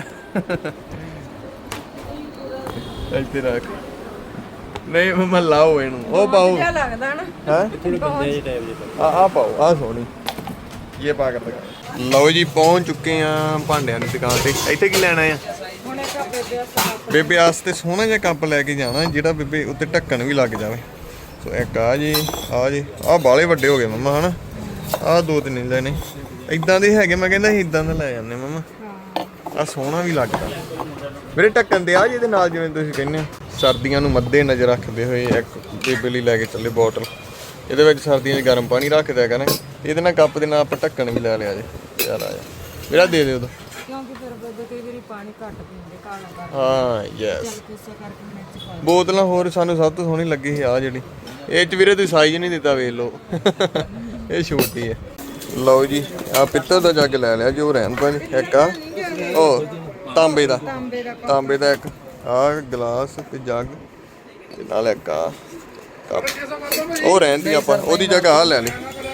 [SPEAKER 2] ਇੱਥੇ ਰੱਖ ਨਹੀਂ ਮਮਾ ਲਾਓ ਇਹਨੂੰ ਉਹ ਪਾਓ
[SPEAKER 3] ਕਿਆ ਲੱਗਦਾ ਨਾ
[SPEAKER 2] ਹੈ
[SPEAKER 5] ਥੋੜੇ ਬੰਦੇ ਜਿਹੇ ਟਾਈਪ ਜਿਹੇ
[SPEAKER 2] ਆ ਆ ਪਾਓ ਆ ਸੋਹਣੀ ਇਹ ਪਾ ਕੇ ਲਗਾ ਲਓ ਜੀ ਪਹੁੰਚ ਚੁੱਕੇ ਆ ਭਾਂਡਿਆਂ ਦੀ ਦੁਕਾਨ ਤੇ ਇੱਥੇ ਕੀ ਲੈਣਾ ਆ
[SPEAKER 3] ਹੁਣ ਇੱਕ ਆ ਬੇਬੇ ਵਾਸਤੇ
[SPEAKER 2] ਬੇਬੇ ਵਾਸਤੇ ਸੋਹਣਾ ਜਿਹਾ ਕੱਪ ਲੈ ਕੇ ਜਾਣਾ ਜਿਹੜਾ ਬੇਬੇ ਉੱਤੇ ਢੱਕਣ ਵੀ ਲੱਗ ਜਾਵੇ ਸੋ ਇੱਕ ਆ ਜੀ ਆ ਜੀ ਆ ਬਾਲੇ ਵੱਡੇ ਹੋ ਗਏ ਮੰਮਾ ਹਨਾ ਆ ਦੋ ਤਿੰਨ ਇੰਚ ਨੇ ਇਦਾਂ ਦੇ ਹੈਗੇ ਮੈਂ ਕਹਿੰਦਾ ਸੀ ਇਦਾਂ ਦਾ ਲੈ ਜਾਂਦੇ ਮੰਮਾ ਆ ਸੋਹਣਾ ਵੀ ਲੱਗਦਾ ਮੇਰੇ ਢੱਕਣ ਦੇ ਆ ਜਿਹਦੇ ਨਾਲ ਜਿਵੇਂ ਤੁਸੀਂ ਕਹਿੰਦੇ ਹੋ ਸਰਦੀਆਂ ਨੂੰ ਮੱਦੇ ਨਜ਼ਰ ਰੱਖਦੇ ਹੋਏ ਇੱਕ ਬੇਬੇ ਲਈ ਲੈ ਕੇ ਚੱਲੇ ਬੋਟਲ ਇਹਦੇ ਵਿੱਚ ਸਰਦੀਆਂ 'ਚ ਗਰਮ ਪਾਣੀ ਰੱਖ ਦਿਆ ਕਰਾਂ ਇਹਦੇ ਨਾਲ ਕੱਪ ਦੇ ਨਾਲ ਆਪਾਂ ਢੱਕਣ ਵੀ ਲੈ ਲਿਆ ਜੇ ਯਾਰ ਆ ਜਾ ਮੇਰਾ ਦੇ ਦਿਓ
[SPEAKER 3] ਕਿਉਂਕਿ ਫਿਰ ਬੇਬੇ ਕਈ ਵਾਰੀ ਪਾਣੀ ਘੱਟ ਪੀਂਦੇ ਕਾਲਾ ਕਰ
[SPEAKER 2] ਹਾਂ ਯੈਸ
[SPEAKER 3] ਕਿਸੇ ਕਰਕੇ ਮਿਰਚ ਪਾ
[SPEAKER 2] ਬੋਤਲਾਂ ਹੋਰ ਸਾਨੂੰ ਸਭ ਤੋਂ ਸੋਹਣੀ ਲੱਗੀ ਸੀ ਆ ਜਿਹੜੀ ਇਹ ਚ ਵੀਰੇ ਤੁਸੀਂ ਸਾਈਜ਼ ਨਹੀਂ ਦਿੱਤਾ ਵੇਖ ਲਓ ਇਹ ਛੋਟੀ ਹੈ ਲਓ ਜੀ ਆ ਪਿੱਤਲ ਦਾ ਜੱਗ ਲੈ ਲਿਆ ਜੋ ਰਹਿਣ ਭਾਜੀ ਇੱਕ ਆ ਉਹ ਤਾਂਬੇ ਦਾ ਤਾਂਬੇ ਦਾ ਇੱਕ ਆ ਗਲਾਸ ਤੇ ਜੱਗ ਤੇ ਨਾਲ ਇੱਕ ਆ ਕੱਪ ਉਹ ਰਹਿੰਦੀ ਆਪਾਂ ਉਹਦੀ ਜਗ੍ਹਾ ਆ ਲੈ ਲਈ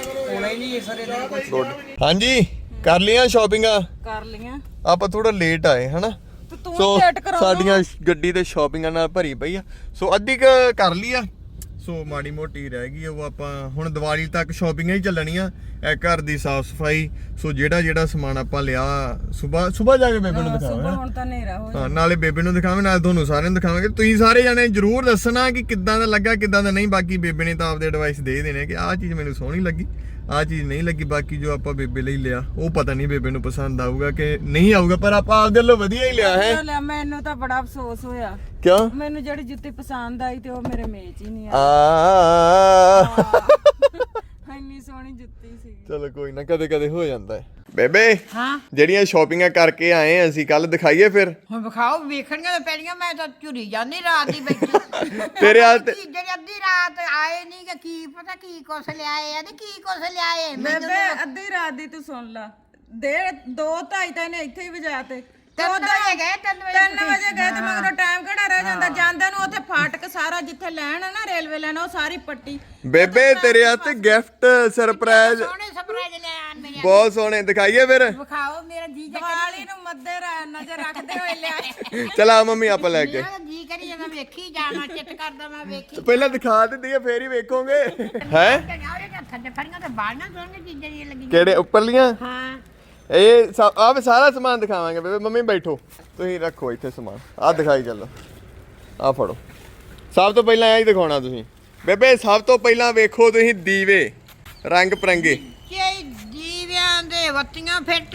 [SPEAKER 2] ਗੁੱਡ ਹਾਂਜੀ ਕਰ ਲਈਆਂ ਸ਼ਾਪਿੰਗਾਂ
[SPEAKER 3] ਕਰ ਲੀਆਂ
[SPEAKER 2] ਆਪਾਂ ਥੋੜਾ ਲੇਟ ਆਏ ਹਨਾ
[SPEAKER 3] ਤੇ ਤੂੰ
[SPEAKER 2] ਸੋ
[SPEAKER 3] ਲੇਟ ਕਰਾਉਣਾ
[SPEAKER 2] ਸਾਡੀਆਂ ਗੱਡੀ ਤੇ ਸ਼ਾਪਿੰਗਾਂ ਨਾਲ ਭਰੀ ਪਈ ਆ ਸੋ ਅੱਧੀ ਕੁ ਕਰ ਲਈ ਆ ਸੋ ਮਾੜੀ ਮੋਟੀ ਰਹਿ ਗਈ ਉਹ ਆਪਾਂ ਹੁਣ ਦੀਵਾਲੀ ਤੱਕ ਸ਼ਾਪਿੰਗਾਂ ਹੀ ਚੱਲਣੀਆਂ ਇਹ ਘਰ ਦੀ ਸਾਫ ਸਫਾਈ ਸੋ ਜਿਹੜਾ ਜਿਹੜਾ ਸਮਾਨ ਆਪਾਂ ਲਿਆ ਸਵੇਰ ਸਵੇਰ ਜਾ ਕੇ ਬੇਬੇ ਨੂੰ ਦਿਖਾਵਾਂਗੇ
[SPEAKER 3] ਸੁਬਾ ਹੁਣ ਤਾਂ ਹਨੇਰਾ ਹੋ
[SPEAKER 2] ਹਾਂ ਨਾਲੇ ਬੇਬੇ ਨੂੰ ਦਿਖਾਵਾਂਗੇ ਨਾਲ ਤੁਹਾਨੂੰ ਸਾਰਿਆਂ ਨੂੰ ਦਿਖਾਵਾਂਗੇ ਤੁਸੀਂ ਸਾਰੇ ਜਾਣੇ ਜਰੂਰ ਦੱਸਣਾ ਕਿ ਕਿੱਦਾਂ ਦਾ ਲੱਗਾ ਕਿੱਦਾਂ ਦਾ ਨਹੀਂ ਬਾਕੀ ਬੇਬੇ ਨੇ ਤਾਂ ਆਪਦੇ ਐਡਵਾਈਸ ਦੇ ਦੇਣੇ ਕਿ ਆਹ ਚੀਜ਼ ਮੈਨੂੰ ਸੋਹਣੀ ਲੱਗੀ ਆਹ ਚੀਜ਼ ਨਹੀਂ ਲੱਗੀ ਬਾਕੀ ਜੋ ਆਪਾਂ ਬੇਬੇ ਲਈ ਲਿਆ ਉਹ ਪਤਾ ਨਹੀਂ ਬੇਬੇ ਨੂੰ ਪਸੰਦ ਆਊਗਾ ਕਿ ਨਹੀਂ ਆਊਗਾ ਪਰ ਆਪਾਂ ਆਪਦੇ ਵੱਲੋਂ ਵਧੀਆ ਹੀ ਲਿਆ ਹੈ
[SPEAKER 3] ਲਿਆ ਮੈਨੂੰ ਤਾਂ ਬੜਾ ਅਫਸੋਸ ਹੋਇਆ
[SPEAKER 2] ਕਿਉਂ
[SPEAKER 3] ਮੈਨੂੰ ਜਿਹੜੀ ਜੁੱਤੀ ਪਸੰਦ ਆਈ ਤੇ ਉਹ ਮੇਰੇ ਮੇਚ ਹੀ ਨਹੀਂ
[SPEAKER 2] ਆ
[SPEAKER 3] ਆਈ ਇੰਨੀ ਸੋਹਣੀ ਜੁੱਤੀ ਸੀ
[SPEAKER 2] ਚਲੋ ਕੋਈ ਨਾ ਕਦੇ ਕਦੇ ਹੋ ਜਾਂਦਾ ਹੈ ਬੇਬੇ
[SPEAKER 1] ਹਾਂ
[SPEAKER 2] ਜਿਹੜੀਆਂ ਸ਼ਾਪਿੰਗਾਂ ਕਰਕੇ ਆਏ ਆ ਅਸੀਂ ਕੱਲ ਦਿਖਾਈਏ ਫਿਰ
[SPEAKER 1] ਹੁਣ ਵਿਖਾਓ ਵੇਖਣੀਆਂ ਤਾਂ ਪੈਣੀਆਂ ਮੈਂ ਤਾਂ ਝੁਰੀ ਜਾਂਦੀ ਰਾਤ ਦੀ ਬੈਠੀ
[SPEAKER 2] ਤੇਰੇ ਹਾਲ ਤੇ
[SPEAKER 1] ਜਿਹੜੀ ਅੱਧੀ ਰਾਤ ਆਏ ਨਹੀਂ ਕਿ ਕੀ ਪਤਾ ਕੀ ਕੁਛ ਲਿਆਏ ਆ ਤੇ ਕੀ ਕੁਛ ਲਿਆਏ ਮੈਨੂੰ
[SPEAKER 3] ਬੇਬੇ ਅੱਧੀ ਰਾਤ ਦੀ ਤੂੰ ਸੁਣ ਲਾ ਦੇ ਦੋ ਢਾਈ ਤਾਂ ਇਹਨੇ ਇੱਥੇ ਹੀ ਵਜਾ ਤੇ
[SPEAKER 1] ਤਿੰਨ ਵਜੇ ਗਏ ਤਿੰਨ ਵਜੇ
[SPEAKER 3] ਤਿੰਨ ਵਜੇ ਗਏ ਤੇ ਮਗਰੋਂ ਟਾਈਮ ਕਿਹੜਾ ਰਹਿ ਜਾਂਦਾ ਜਾਂਦੇ ਨੂੰ ਉੱਥੇ ਫਾਟਕ ਸਾਰਾ ਜਿੱਥੇ ਲੈਣ ਆ ਨਾ ਰੇਲਵੇ ਲੈਣ ਉਹ ਸਾਰੀ ਪੱਟੀ
[SPEAKER 2] ਬੇਬੇ ਤੇਰੇ ਹੱਥ ਗਿਫਟ ਸਰਪ੍ਰਾਈਜ਼
[SPEAKER 1] ਸੋਹਣੇ ਸਰਪ੍ਰਾਈਜ਼ ਲੈ ਆਣ ਮੇਰੇ
[SPEAKER 2] ਬਹੁਤ ਸੋਹਣੇ ਦਿਖਾਈਏ ਫਿਰ
[SPEAKER 1] ਵਿਖਾਓ ਮੇਰਾ ਜੀ ਜਾ
[SPEAKER 3] ਦੀਵਾਲੀ ਨੂੰ ਮੱਦੇ ਰ- ਨਜ਼ਰ ਰੱਖਦੇ ਹੋਏ ਲਿਆਏ
[SPEAKER 2] ਚਲਾ ਮੰਮੀ ਆਪਾਂ ਲੈ ਕੇ
[SPEAKER 1] ਮੇਰਾ ਜੀ ਕਰੀ ਜਾਂਦਾ ਵੇਖੀ ਜਾਣਾ ਚਿੱਟ ਕਰਦਾ ਮੈਂ ਵੇਖੀ
[SPEAKER 2] ਪਹਿਲਾਂ ਦਿਖਾ ਦਿੰਦੀ ਆ ਫੇਰ ਹੀ ਵੇਖੋਗੇ ਹੈ
[SPEAKER 1] ਉਹਦੇ ਹੱਥਾਂ ਤੇ ਫੜੀਆਂ ਤੇ ਬਾੜੀਆਂ ਸੋਹਣੀਆਂ ਚੀਜ਼ਾਂ ਦੀਆਂ ਲੱਗੀਆਂ
[SPEAKER 2] ਕਿਹੜੇ ਉੱਪਰਲੀਆਂ
[SPEAKER 1] ਹਾਂ
[SPEAKER 2] ਇਹ ਸਭ ਆ ਵੀ ਸਾਰਾ ਸਮਾਨ ਦਿਖਾਵਾਂਗੇ ਬੇਬੇ ਮੰਮੀ ਬੈਠੋ ਤੁਸੀਂ ਰੱਖੋ ਇੱਥੇ ਸਮਾਨ ਆ ਦਿਖਾਈ ਚੱਲੋ ਆ ਫੜੋ ਸਭ ਤੋਂ ਪਹਿਲਾਂ ਇਹ ਹੀ ਦਿਖਾਉਣਾ ਤੁਸੀਂ ਬੇਬੇ ਸਭ ਤੋਂ ਪਹਿਲਾਂ ਵੇਖੋ ਤੁਸੀਂ ਦੀਵੇ ਰੰਗ ਪਰੰਗੇ
[SPEAKER 1] ਕਿ ਦੀਵਿਆਂ ਦੇ ਬੱਤੀਆਂ ਫਿੱਟ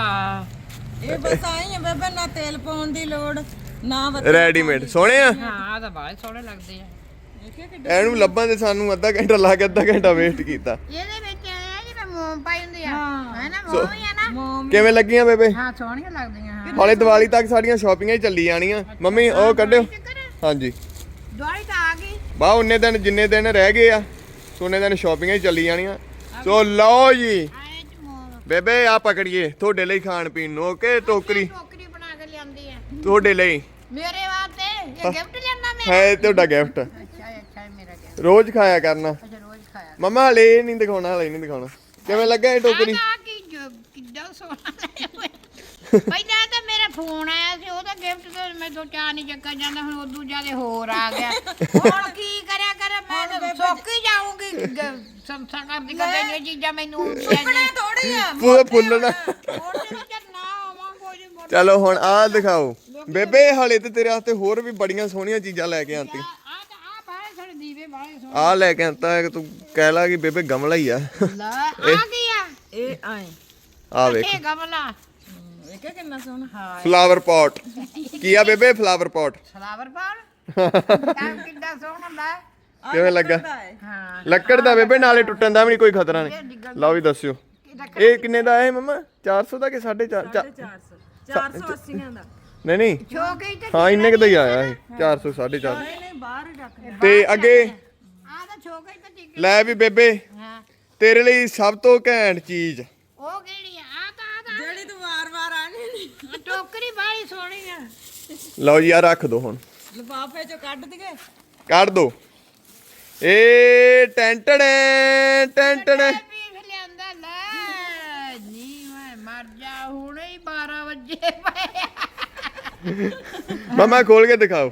[SPEAKER 3] ਇਹ ਬਸ ਆਈ ਆ ਬੇਬੇ ਨਾ ਤੇਲ ਪਾਉਣ ਦੀ ਲੋੜ ਨਾ ਬੱਤੀ
[SPEAKER 2] ਰੈਡੀਮੇਡ ਸੋਹਣੇ ਆ
[SPEAKER 1] ਹਾਂ ਆ ਤਾਂ ਬਾਹਲੇ ਸੋਹਣੇ ਲੱਗਦੇ ਆ
[SPEAKER 2] ਇਹਨੂੰ ਲੱਭਾਂ ਤੇ ਸਾਨੂੰ ਅੱਧਾ ਘੰਟਾ ਲਾ ਕੇ ਅੱਧਾ ਘੰਟਾ ਵੇਸਟ ਕੀਤਾ
[SPEAKER 1] ਇਹਦੇ ਵਿੱਚ ਇਹ ਆ ਜਿਵੇਂ ਮੋਮ ਪਾਈ ਹੁੰਦੀ ਆ ਹੈ ਨਾ ਮੋਮ ਹੀ ਆ ਨਾ
[SPEAKER 2] ਕਿਵੇਂ ਲੱਗੀਆਂ ਬੇਬੇ
[SPEAKER 1] ਹਾਂ ਸੋਹਣੀਆਂ ਲੱਗਦੀਆਂ ਹਾਂ
[SPEAKER 2] ਹਾਲੇ ਦੀਵਾਲੀ ਤੱਕ ਸਾਡੀਆਂ ਸ਼ਾਪਿੰਗਾਂ ਹੀ ਚੱਲੀ ਜਾਣੀਆਂ ਮੰਮੀ ਉਹ ਕੱਢਿਓ ਹਾਂਜੀ
[SPEAKER 1] ਦੁਆਰੀ ਤਾਂ ਆ ਗਈ
[SPEAKER 2] ਬਾ ਉਹਨੇ ਦਿਨ ਜਿੰਨੇ ਦਿਨ ਰਹਿ ਗਏ ਆ ਸੋਨੇ ਦਿਨ ਸ਼ਾਪਿੰਗਾਂ ਹੀ ਚੱਲੀ ਜਾਣੀਆਂ ਸੋ ਲਓ ਜੀ
[SPEAKER 1] ਆਏ ਚ ਮੋਮ
[SPEAKER 2] ਬੇਬੇ ਆ ਪਕੜੀਏ ਤੁਹਾਡੇ ਲਈ ਖਾਣ ਪੀਣ ਨੂੰ ਓਕੇ ਟੋਕਰੀ
[SPEAKER 1] ਟੋਕਰੀ ਬਣਾ ਕੇ ਲਿਆਂਦੀ ਆ
[SPEAKER 2] ਤੁਹਾਡੇ ਲਈ
[SPEAKER 1] ਮੇਰੇ ਵਾਸਤੇ ਇਹ ਗਿਫਟ ਲਿਆਂਦਾ ਮੈਂ
[SPEAKER 2] ਹੈ ਤੁਹਾਡਾ ਗਿਫਟ
[SPEAKER 1] ਅੱਛਾ ਅੱਛਾ ਇਹ ਮੇਰਾ ਗਿਫਟ
[SPEAKER 2] ਰੋਜ਼ ਖਾਇਆ ਕਰਨਾ
[SPEAKER 1] ਅੱਛਾ ਰੋਜ਼ ਖਾਇਆ
[SPEAKER 2] ਮਮਾ ਹਲੇ ਇਹ ਨਹੀਂ ਦਿਖਾਉਣਾ ਹਲੇ ਨਹੀਂ ਦਿਖਾਉਣਾ ਕਿਵੇਂ ਲੱਗਾ ਇਹ ਟੋਕਰੀ
[SPEAKER 1] ਆ ਕੀ ਜੋ- ਕਿੱਦਾਂ ਸੋਹਣਾ ਲਿਆ ਹੋਇਆ। ਪਹਿਲਾਂ ਤਾਂ ਮੇਰਾ ਫੋਨ ਆਇਆ ਸੀ ਉਹਦਾ ਗਿਫਟ ਤੇ ਮੈਂ ਦੋ ਚਾਰ ਨਹੀਂ ਚੱਕਾ ਜਾਂਦਾ ਹੁਣ ਉਦੋਂ ਜ਼ਿਆਦਾ ਹੋਰ ਆ ਗਿਆ ਹੁਣ ਕੀ ਕਰਿਆ ਕਰ ਮੈਂ ਤਾਂ ਚੌਕੀ ਜਾਊਂਗੀ ਸੰਸਾ ਕਰਦੀ ਕਰਦੇ ਨੇ ਚੀਜ਼ਾਂ ਮੈਨੂੰ
[SPEAKER 3] ਸੁਪਨੇ ਥੋੜੀ ਆ
[SPEAKER 2] ਪੂਰਾ ਫੁੱਲਣਾ
[SPEAKER 1] ਮੋਟੇ ਵਿੱਚ ਨਾ ਆਵਾਂ ਕੋਈ ਮੋਟੇ
[SPEAKER 2] ਚਲੋ ਹੁਣ ਆਹ ਦਿਖਾਓ ਬੇਬੇ ਹਲੇ ਤੇ ਤੇਰੇ ਵਾਸਤੇ ਹੋਰ ਵੀ ਬੜੀਆਂ ਸੋਹਣੀਆਂ ਚੀਜ਼ਾਂ ਲੈ ਕੇ ਆਂਤੀ
[SPEAKER 1] ਆ ਤਾਂ ਆ ਬਾਹਰ ਸਾਡੇ ਦੀਵੇ ਬਾਹਰ ਸੋ
[SPEAKER 2] ਆਹ ਲੈ ਕੇ ਆਂਤਾ ਹੈ ਕਿ ਤੂੰ ਕਹਿ ਲਾ ਕਿ ਬੇਬੇ ਗਮਲਾ ਹੀ ਆ
[SPEAKER 1] ਲੈ ਆ ਕੀ ਆ
[SPEAKER 3] ਇਹ ਆਏ
[SPEAKER 2] ਆ ਵੇਖ
[SPEAKER 1] ਇਹ ਗਮਲਾ
[SPEAKER 3] ਇਹ ਕਿ ਕਿੰਨਾ ਸੋਹਣਾ
[SPEAKER 1] ਹਾਂ
[SPEAKER 2] ਫਲਾਵਰ ਪੌਟ ਕੀ ਆ ਬੇਬੇ ਫਲਾਵਰ ਪੌਟ
[SPEAKER 1] ਫਲਾਵਰ ਪਾਲ ਤਾਂ ਕਿੱਦਾਂ ਸੋਹਣਾ ਲੈ
[SPEAKER 2] ਕਿਵੇਂ ਲੱਗਾ
[SPEAKER 1] ਹਾਂ
[SPEAKER 2] ਲੱਕੜ ਦਾ ਬੇਬੇ ਨਾਲੇ ਟੁੱਟਣ ਦਾ ਵੀ ਨਹੀਂ ਕੋਈ ਖਤਰਾ ਨਹੀਂ ਲਓ ਵੀ ਦੱਸਿਓ ਇਹ ਕਿੰਨੇ ਦਾ ਹੈ ਮਮਾ ਚਾਰ ਸੌ ਦਾ ਕਿ ਸਾਢੇ ਚਾਰ
[SPEAKER 3] ਚਾਰ ਸੌ ਚਾਰ ਸੌ ਅੱਸੀ ਦਾ
[SPEAKER 2] ਨਹੀਂ ਨਹੀਂ
[SPEAKER 1] ਛੋਕੀ ਤੇ
[SPEAKER 2] ਹਾਂ ਇੰਨੇ ਕੁ ਦਾ ਹੀ ਆਇਆ ਇਹ ਚਾਰ ਸੌ ਸਾਢੇ ਚਾਰ
[SPEAKER 3] ਨਹੀਂ ਨਹੀਂ ਬਾਹਰ ਹੀ ਰੱਖ ਦੇ
[SPEAKER 2] ਤੇ ਅੱਗੇ
[SPEAKER 1] ਆ ਤਾਂ ਛੋਕੀ ਤੇ ਟਿਕ
[SPEAKER 2] ਲੈ ਵੀ ਬੇਬੇ
[SPEAKER 1] ਹਾਂ
[SPEAKER 2] ਤੇਰੇ ਲਈ ਸਭ ਤੋਂ ਘੈਂਟ ਚੀਜ਼
[SPEAKER 1] ਉਹ ਕਿਹੜੀ ਆ ਆ ਤਾਂ ਆ ਤਾਂ
[SPEAKER 3] ਜਿਹੜੀ ਤੂੰ ਵਾਰ-ਵਾਰ ਆਣੀ ਨਹੀਂ
[SPEAKER 1] ਆਹ ਟੋਕਰੀ ਬਾਹਲੀ ਸੋਹਣੀ ਆ
[SPEAKER 2] ਲਓ ਜੀ ਆ ਰੱਖ ਦੋ ਹੁਣ
[SPEAKER 3] ਲਿਫਾਫੇ ਚੋਂ ਕੱਢ ਦਈਏ
[SPEAKER 2] ਕੱਢ ਦੋ ਏ ਟੈਂਟੜੇ ਟੈਂਟੜੇ
[SPEAKER 1] ਪੀਸ ਲਿਆਂਦਾ ਲੈ ਨੀ ਮੈਂ ਮਰ ਜਾ ਹੁਣੇ ਹੀ ਬਾਰਾਂ ਵਜੇ ਪਏ
[SPEAKER 2] ਮਮਾ ਖੋਲ ਕੇ ਦਿਖਾਓ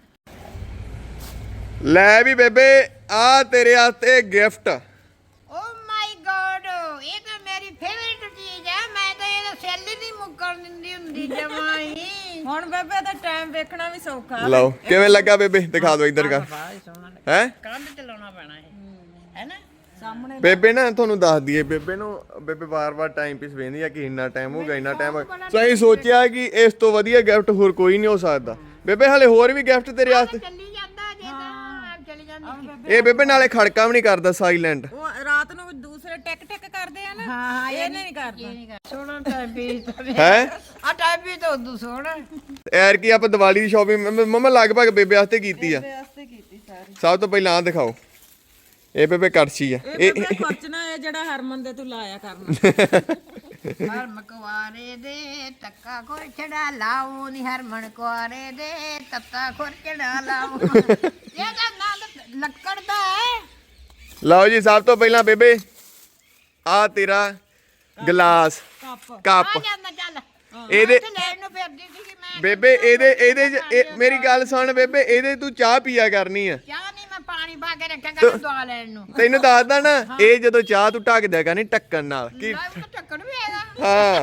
[SPEAKER 2] ਲੈ ਵੀ ਬੇਬੇ ਆ ਤੇਰੇ ਵਾਸਤੇ ਗਿਫਟ
[SPEAKER 1] ਓ ਮਾਈ ਗॉड ਇਹ ਤਾਂ ਮੇਰੀ ਫੇਵਰਿਟ ਚੀਜ਼ ਹੈ ਮੈਂ ਤਾਂ ਇਹਦਾ ਸੈੱਲ ਹੀ ਨਹੀਂ ਮੁੱਕਣ ਦਿੰਦੀ ਹੁੰਦੀ ਜਮਾਈ
[SPEAKER 3] ਹੁਣ ਬੇਬੇ ਦਾ ਟਾਈਮ ਵੇਖਣਾ ਵੀ ਸੌਖਾ
[SPEAKER 2] ਲਓ ਕਿਵੇਂ ਲੱਗਾ ਬੇਬੇ ਦਿਖਾ ਦਿਓ ਇੱਧਰ ਕਰ
[SPEAKER 1] ਬਾਹਲੀ ਸੋਹਣਾ
[SPEAKER 2] ਹੈ
[SPEAKER 1] ਕੰਧ ਚਲਾਉਣਾ ਪੈਣਾ ਹੈ ਹੈਨਾ
[SPEAKER 3] ਸਾਹਮਣੇ
[SPEAKER 2] ਬੇਬੇ ਨਾ ਤੁਹਾਨੂੰ ਦੱਸ ਦਈਏ ਬੇਬੇ ਨੂੰ ਬੇਬੇ ਵਾਰ-ਵਾਰ ਟਾਈਮ ਪੀਸ ਵੇਂਦੀ ਆ ਕਿ ਇੰਨਾ ਟਾਈਮ ਹੋ ਗਿਆ ਇੰਨਾ ਟਾਈਮ ਸੋ ਅਸੀਂ ਸੋਚਿਆ ਕਿ ਇਸ ਤੋਂ ਵਧੀਆ ਗਿਫਟ ਹੋਰ ਕੋਈ ਨਹੀਂ ਹੋ ਸਕਦਾ ਬੇਬੇ ਹਲੇ ਹੋਰ ਵੀ ਗਿਫਟ ਤੇਰੇ ਵਾਸਤੇ
[SPEAKER 1] ਚੱਲੀ ਜਾਂਦਾ ਜੇ ਤਾਂ ਆਪ ਚਲੀ ਜਾਂਦੀ
[SPEAKER 2] ਇਹ ਬੇਬੇ ਨਾਲੇ ਖੜਕਾ ਵੀ ਨਹੀਂ ਕਰਦਾ ਸਾਇਲੈਂਟ
[SPEAKER 3] ਉਹ ਰਾਤ ਨੂੰ ਦੂਸਰੇ ਟਿਕ ਟਿਕ ਕਰਦੇ ਆ ਨਾ
[SPEAKER 1] ਹਾਂ
[SPEAKER 3] ਇਹ ਨਹੀਂ ਕਰਦਾ
[SPEAKER 1] ਸੋਹਣਾ ਟਾਈਮ ਪੀਸ
[SPEAKER 2] ਹੈ
[SPEAKER 1] ਆ ਟਾਈਮ ਪੀਸ ਤਾਂ ਉਦੋਂ ਸੋਹਣਾ
[SPEAKER 2] ਐਰ ਕੀ ਆਪਾਂ ਦੀਵਾਲੀ ਦੀ ਸ਼ਾਪਿੰਗ ਮਮਾ ਲਗਭਗ ਬੇਬੇ ਵਾਸਤੇ ਕੀਤੀ ਆ
[SPEAKER 3] ਵਾਸਤੇ ਕੀਤੀ ਸਾਰੀ
[SPEAKER 2] ਸਭ ਤੋਂ ਪਹਿਲਾਂ ਆ ਦਿਖਾਓ ਇਹ ਬੇਬੇ ਕੜਛੀ ਆ
[SPEAKER 3] ਇਹ ਬੇਬੇ ਖਰਚਣਾ ਹੈ ਜਿਹੜਾ ਹਰਮਨ ਦੇ ਤੂੰ ਲਾਇਆ ਕਰਨਾ
[SPEAKER 1] ਹਰਮ ਕੁਆਰੇ ਦੇ ਤੱਕਾ ਖੁਰਚੜਾ ਲਾਉ ਨੀ ਹਰਮਨ ਕੁਆਰੇ ਦੇ ਤੱਤਾ ਖੁਰਚੜਾ ਲਾਉ ਇਹਦਾ ਨਾਂ ਲੱਕੜ ਦਾ ਹੈ
[SPEAKER 2] ਲਓ ਜੀ ਸਭ ਤੋਂ ਪਹਿਲਾਂ ਬੇਬੇ ਆ ਤੇਰਾ ਗਲਾਸ
[SPEAKER 3] ਕੱਪ
[SPEAKER 2] ਕੱਪ
[SPEAKER 1] ਆ ਜਾਂਦਾ ਚੱਲ
[SPEAKER 2] ਇਹਦੇ
[SPEAKER 1] ਤੇ ਲੈਣ ਨੂੰ ਫਿਰਦੀ ਸੀ ਮੈਂ
[SPEAKER 2] ਬੇਬੇ ਇਹਦੇ ਇਹਦੇ 'ਚ ਇਹ- ਮੇਰੀ ਗੱਲ ਸੁਣ ਬੇਬੇ ਇਹਦੇ ਤੂੰ ਚਾਹ ਪੀਆ ਕਰਨੀ ਆ
[SPEAKER 1] ਚਾਹ ਨਹੀਂ ਮੈਂ ਪਾਣੀ ਪਾ ਕੇ ਰੱਖਿਆ ਕਰ ਦਵਾ ਲੈਣ ਨੂੰ
[SPEAKER 2] ਤੈਨੂੰ ਦੱਸਦਾ ਨਾ ਇਹ ਜਦੋਂ ਚਾਹ ਤੂੰ ਢੱਕ ਦਿਆ ਕਰਨੀ ਢੱਕਣ ਨਾਲ ਕੀ
[SPEAKER 1] ਲੈ ਉਹ ਟੱਕਣ ਵੀ ਹੈਗਾ
[SPEAKER 2] ਹਾਂ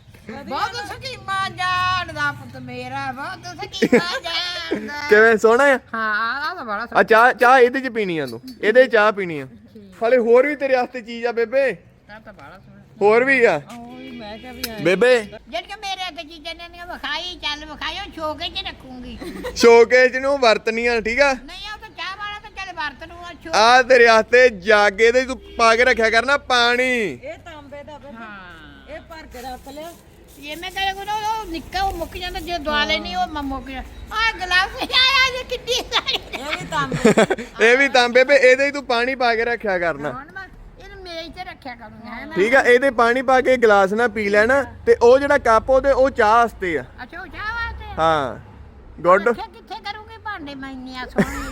[SPEAKER 1] ਬਹੁਤ ਸਕੀਮਾਂ ਜਾਣਦਾ ਪੁੱਤ ਮੇਰਾ ਬਹੁਤ ਸਕੀਮਾਂ ਜਾਣਦਾ
[SPEAKER 2] ਕਿਵੇਂ ਸੋਹਣਾ ਆ
[SPEAKER 1] ਹਾਂ ਆ ਤਾਂ ਬੜਾ
[SPEAKER 2] ਆ ਚਾਹ ਚਾਹ ਇਹਦੇ 'ਚ ਪੀਣੀ ਆ ਤੂੰ ਇਹਦੇ 'ਚ ਚਾਹ ਪੀਣੀ ਆ ਹਲੇ ਹੋਰ ਵੀ ਤੇਰੇ ਵਾਸਤੇ ਚੀਜ਼ ਆ ਬੇਬੇ
[SPEAKER 1] ਸੋਹਣਾ ਤਾਂ ਬੜਾ ਸੋਹਣਾ
[SPEAKER 2] ਹੋਰ ਵੀ ਆ
[SPEAKER 3] ਉਹੀ ਮੈਂ ਕਿਹਾ ਵੀ
[SPEAKER 2] ਬੇਬੇ
[SPEAKER 1] ਜਦ ਕਿ ਮੇਰੇ ਹੱਥ ਚੀਜ਼ਾਂ ਨੇ ਨੀ ਵਿਖਾਈ ਚੱਲ ਵਿਖਾਇਓ ਛੋਕੇ 'ਚ ਰੱਖੂੰਗੀ
[SPEAKER 2] ਸ਼ੋਕੇਜ ਨੂੰ ਵਰਤਨੀਆਂ ਠੀਕ ਆ
[SPEAKER 1] ਨਹੀਂ ਉਹ ਤਾਂ ਚਾਹ ਵਾਲਾ ਤਾਂ ਚੱਲ ਵਰਤ ਨੂੰ ਆ ਛੋ
[SPEAKER 2] ਆ ਤੇਰੇ ਵਾਸਤੇ ਜਾਗੇ ਦੇ ਤੂੰ ਪਾ ਕੇ ਰੱਖਿਆ ਕਰਨਾ ਪਾਣੀ
[SPEAKER 3] ਇਹ ਤਾਂਬੇ ਦਾ ਬੇਬੇ
[SPEAKER 1] ਹਾਂ
[SPEAKER 3] ਇਹ ਭਰ ਕੇ ਰੱਖ ਲਿਆ
[SPEAKER 1] ਇਹ ਮੈਂ ਕਹੇ ਕੋ ਉਹ ਨਿੱਕਾ ਉਹ ਮੁੱਕ ਜਾਂਦਾ ਜੇ ਦਵਾਲੇ ਨਹੀਂ ਉਹ ਮ- ਮੁੱਕ ਜਾ ਆ ਗਲਾਸ ਆਇਆ ਜੇ ਕਿੱਡੀ ਸਾਰੀ
[SPEAKER 3] ਇਹ ਵੀ ਤਾਂਬੇ
[SPEAKER 2] ਇਹ ਵੀ ਤਾਂ ਬੇਬੇ ਇਹਦੇ ਹੀ ਤੂੰ ਪਾਣੀ ਪਾ ਕੇ ਰੱਖਿਆ ਕਰਨਾ
[SPEAKER 1] ਹੁਣ ਮੈਂ ਇਹਨੂੰ ਮੇਜ਼ ਤੇ ਰੱਖਿਆ ਕਰੂੰਗਾ ਹੈ ਨਾ
[SPEAKER 2] ਠੀਕ ਆ ਇਹਦੇ ਪਾਣੀ ਪਾ ਕੇ ਗਲਾਸ ਨਾਲ ਪੀ ਲੈਣਾ ਤੇ ਉਹ ਜਿਹੜਾ ਕੱਪ ਉਹਦੇ ਉਹ ਚਾਹ ਵਾਸਤੇ ਆ
[SPEAKER 1] ਅੱਛਾ ਉਹ ਚਾਹ ਵਾਸਤੇ
[SPEAKER 2] ਹਾਂ ਗੁੱਡ
[SPEAKER 1] ਰੱਖਿਆ ਕਿੱਥੇ ਕਰੂੰਗੇ ਭਾਂਡੇ ਮੈਂ ਇੰਨੀਆਂ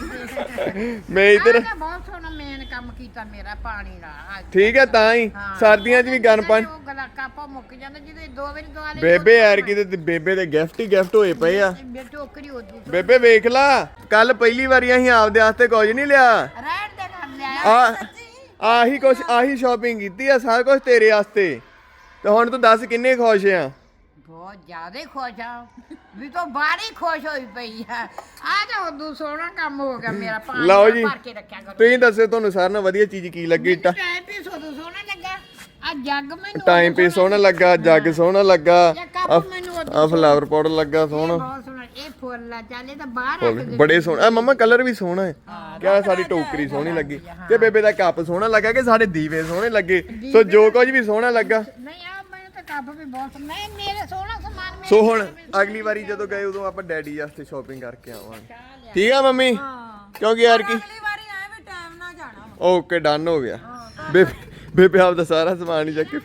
[SPEAKER 1] ਸੋਹਣੀ
[SPEAKER 2] ਮੈਂ ਇੱਧਰ
[SPEAKER 1] ਆਹ ਤਾਂ ਬਹੁਤ ਸੋਹਣਾ ਮੇਨ ਕੰਮ ਕੀਤਾ ਮੇਰਾ ਪਾਣੀ ਦਾ ਆਹ
[SPEAKER 2] ਠੀਕ ਹੈ ਤਾਂ ਹੀ
[SPEAKER 1] ਹਾਂ।
[SPEAKER 2] ਸਰਦੀਆਂ 'ਚ ਵੀ ਗਰਮ ਪਾਣੀ
[SPEAKER 1] ਉਹ ਗਲਾ ਕਾਪਾ ਮੁੱਕ ਜਾਂਦਾ ਜਿਹਦੇ ਦੋ ਵਾਰੀ ਦਵਾ ਲਈ
[SPEAKER 2] ਬੇਬੇ ਯਾਰ ਕਿਤੇ ਤੇ ਬੇਬੇ ਦੇ ਗਿਫਟ ਹੀ ਗਿਫਟ ਹੋਏ ਪਏ ਆ
[SPEAKER 1] ਬੇ ਟੋਕਰੀ ਉਦੋਂ
[SPEAKER 2] ਬੇਬੇ ਵੇਖ ਲਾ ਕੱਲ ਪਹਿਲੀ ਵਾਰੀ ਅਸੀਂ ਆਪਦੇ ਵਾਸਤੇ ਕੁਝ ਨਹੀਂ ਲਿਆ
[SPEAKER 1] ਰਹਿਣ ਦੇ ਕਰ ਲਿਆ
[SPEAKER 2] ਆ ਆਹੀ ਕੁਛ ਆਹੀ ਸ਼ਾਪਿੰਗ ਕੀਤੀ ਆ ਸਾਰਾ ਕੁਝ ਤੇਰੇ ਵਾਸਤੇ ਤੇ ਹੁਣ ਤੂੰ ਦੱਸ ਕਿੰਨੇ ਖੁਸ਼ ਆ
[SPEAKER 1] ਬਹੁਤ ਜ਼ਿਆਦਾ ਹੀ ਖੁਸ਼ ਆ ਵੀ ਤੋਂ ਬਾਹਲੀ ਖੁਸ਼ ਹੋਈ ਪਈ ਆ ਆ ਤਾਂ ਉਦੋਂ ਸੋਹਣਾ ਕੰਮ ਹੋ ਗਿਆ ਮੇਰਾ ਪਾਣੀ
[SPEAKER 2] ਲਓ
[SPEAKER 1] ਦਾ
[SPEAKER 2] ਜੀ
[SPEAKER 1] ਭਰ ਕੇ ਰੱਖਿਆ ਕਰੋ
[SPEAKER 2] ਤੁਸੀਂ ਦੱਸੋ ਤੁਹਾਨੂੰ ਸਾਰਿਆਂ ਨਾਲੋਂ ਵਧੀਆ ਚੀਜ਼ ਕੀ ਲੱਗੀ
[SPEAKER 1] ਟਾਈਮ ਪੀਸ ਉਦੋਂ ਸੋਹਣਾ ਲੱਗਾ ਆ ਜੱਗ ਮੈਨੂੰ
[SPEAKER 2] ਟਾਈਮ ਪੀ ਸੋਹਣਾ ਲੱਗਾ ਜੱਗ ਸੋਹਣਾ ਲੱਗਾ
[SPEAKER 1] ਇਹ ਕੱਪ ਮੈਨੂੰ ਉਦੋਂ
[SPEAKER 2] ਆ ਫਲਾਵਰ ਪੌਟ ਲੱਗਾ ਸੋਹਣਾ
[SPEAKER 1] ਬਹੁਤ ਸੋਹਣਾ ਇਹ ਫੁੱਲ ਆ ਚੱਲ ਇਹ ਤਾਂ ਬਾਹਰ ਰੱਖ ਦੇ
[SPEAKER 2] ਬੜੇ ਸੋਹਣੇ ਆ ਮਮਾ ਕਲਰ ਵੀ ਸੋਹਣਾ ਹੈ ਕਿਆ ਸਾਡੀ ਟੋਕਰੀ ਸੋਹਣੀ ਲੱਗੀ ਤੇ ਬੇਬੇ ਦਾ ਕੱਪ ਸੋਹਣਾ ਲੱਗਾ ਕਿ ਸਾਡੇ ਦੀਵੇ ਸੋਹਣੇ ਲੱਗੇ ਸੋ ਜੋ ਕੁਝ ਵੀ ਸੋਹਣਾ ਲੱਗਾ
[SPEAKER 1] ਨਹੀਂ ਆ ਮੈਨੂੰ ਤਾਂ ਕੱਪ ਵੀ ਬਹੁਤ ਮੈਂ ਮੇਰੇ ਸੋਹਣਾ ਸਮਾਨ ਮੇਰੇ
[SPEAKER 2] ਸੋ ਹੁਣ ਅਗਲੀ ਵਾਰੀ ਜਦੋਂ ਗਏ ਉਦੋਂ ਆਪਾਂ ਡੈਡੀ ਵਾਸਤੇ ਸ਼ਾਪਿੰਗ ਕਰਕੇ ਆਵਾਂਗੇ ਠੀਕ ਆ ਮੰਮੀ ਕਿਉਂਕਿ ਯਾਰ ਕੀ
[SPEAKER 3] ਅਗਲੀ ਵਾਰੀ ਆਏ ਵੀ ਟਾਈਮ ਨਾਲ ਜਾਣਾ ਵਾ।
[SPEAKER 2] ਓਕੇ ਡਨ ਹੋ ਗਿਆ ਬੇਬੇ ਬੇਬੇ ਆਪਦਾ ਸਾਰਾ ਸਮਾਨ ਹੀ ਚੱਕ ਕੇ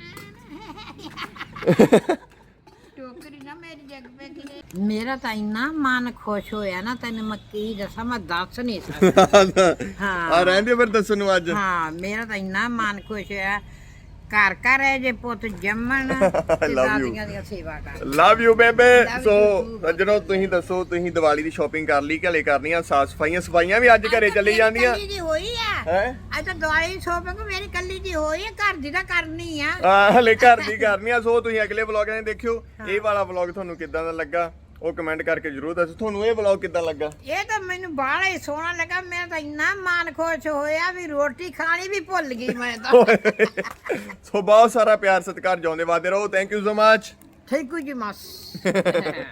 [SPEAKER 1] ਟੋਕਰੀ ਨਾ ਮੇਰੀ ਜੱਗ ਪੇ ਕਿਲੇ ਮੇਰਾ ਤਾਂ ਇੰਨਾ ਮਨ ਖੁਸ਼ ਹੋਇਆ ਨਾ ਤੈਨੂੰ ਮੈਂ ਕੀ ਦੱਸਾਂ ਮੈਂ ਦੱਸ ਨਹੀਂ ਸਕਦੀ ਹਾਂ
[SPEAKER 2] ਆ ਰਹਿੰਦੇ ਫਿਰ ਦੱਸਣ ਨੂੰ ਅੱਜ
[SPEAKER 1] ਹਾਂ ਮੇਰਾ ਤਾਂ ਇੰਨਾ ਮਨ ਖੁਸ਼ ਹੋਇਆ ਘਰ ਘਰ ਹੈ ਜੇ ਪੁੱਤ ਜੰਮਣ ਤੇ
[SPEAKER 2] Love you.
[SPEAKER 1] ਦਾਦੀਆਂ ਦੀਆਂ ਸੇਵਾ ਕਰ
[SPEAKER 2] ਲਵ ਯੂ ਬੇਬੇ
[SPEAKER 1] Love
[SPEAKER 2] ਸੋ
[SPEAKER 1] you.
[SPEAKER 2] ਸੱਜਣੋ ਤੁਸੀਂ ਦੱਸੋ ਤੁਸੀਂ ਦੀਵਾਲੀ ਦੀ ਸ਼ਾਪਿੰਗ ਕਰ ਲਈ ਕਿ ਹਲੇ ਕਰਨੀ ਆ? ਸਾਫ ਸਫਾਈਆਂ ਸਫਾਈਆਂ ਵੀ ਅੱਜ ਘਰੇ ਚੱਲੀ ਜਾਂਦੀਆਂ
[SPEAKER 1] ਕੱਲੀ ਦੀ ਹੋਈ ਆ
[SPEAKER 2] ਹੈ
[SPEAKER 1] ਅੱਜ ਤਾਂ ਦਿਵਾਲੀ ਸ਼ੋਪਿੰਗ ਮੇਰੀ ਕੱਲੀ ਦੀ ਹੋਈ ਆ, ਘਰ ਦੀ ਤਾਂ ਕਰਨੀ ਆ।
[SPEAKER 2] ਆ ਹਲੇ ਘਰ ਦੀ ਕਰਨੀ ਆ। ਸੋ ਤੁਸੀਂ ਅਗਲੇ ਵਲੌਗ ਨੇ ਦੇਖਿਓ। ਇਹ ਵਾਲਾ ਵਲੌਗ ਤੁਹਾਨੂੰ ਕਿੱਦਾਂ ਦਾ ਲੱਗਾ ਉਹ ਕਮੈਂਟ ਕਰਕੇ ਜਰੂਰ ਦੱਸੋ। ਤੁਹਾਨੂੰ ਇਹ ਵਲੌਗ ਕਿੱਦਾਂ ਲੱਗਾ?
[SPEAKER 1] ਇਹ ਤਾਂ ਮੈਨੂੰ ਬਾਹਲਾ ਹੀ ਸੋਹਣਾ ਲੱਗਾ। ਮੈਂ ਤਾਂ ਇੰਨਾ ਮਨ ਖੁਸ਼ ਹੋਇਆ ਵੀ ਰੋਟੀ ਖਾਣੀ ਵੀ ਭੁੱਲ ਗਈ ਮੈਂ ਤਾਂ।
[SPEAKER 2] ਸੋ ਬਹੁਤ ਸਾਰਾ ਪਿਆਰ ਸਤਿਕਾਰ ਜਿਉਂਦੇ ਵਾਦੇ ਰਹੋ। Thank you so much.
[SPEAKER 1] Thank you ਜੀ ਮਸ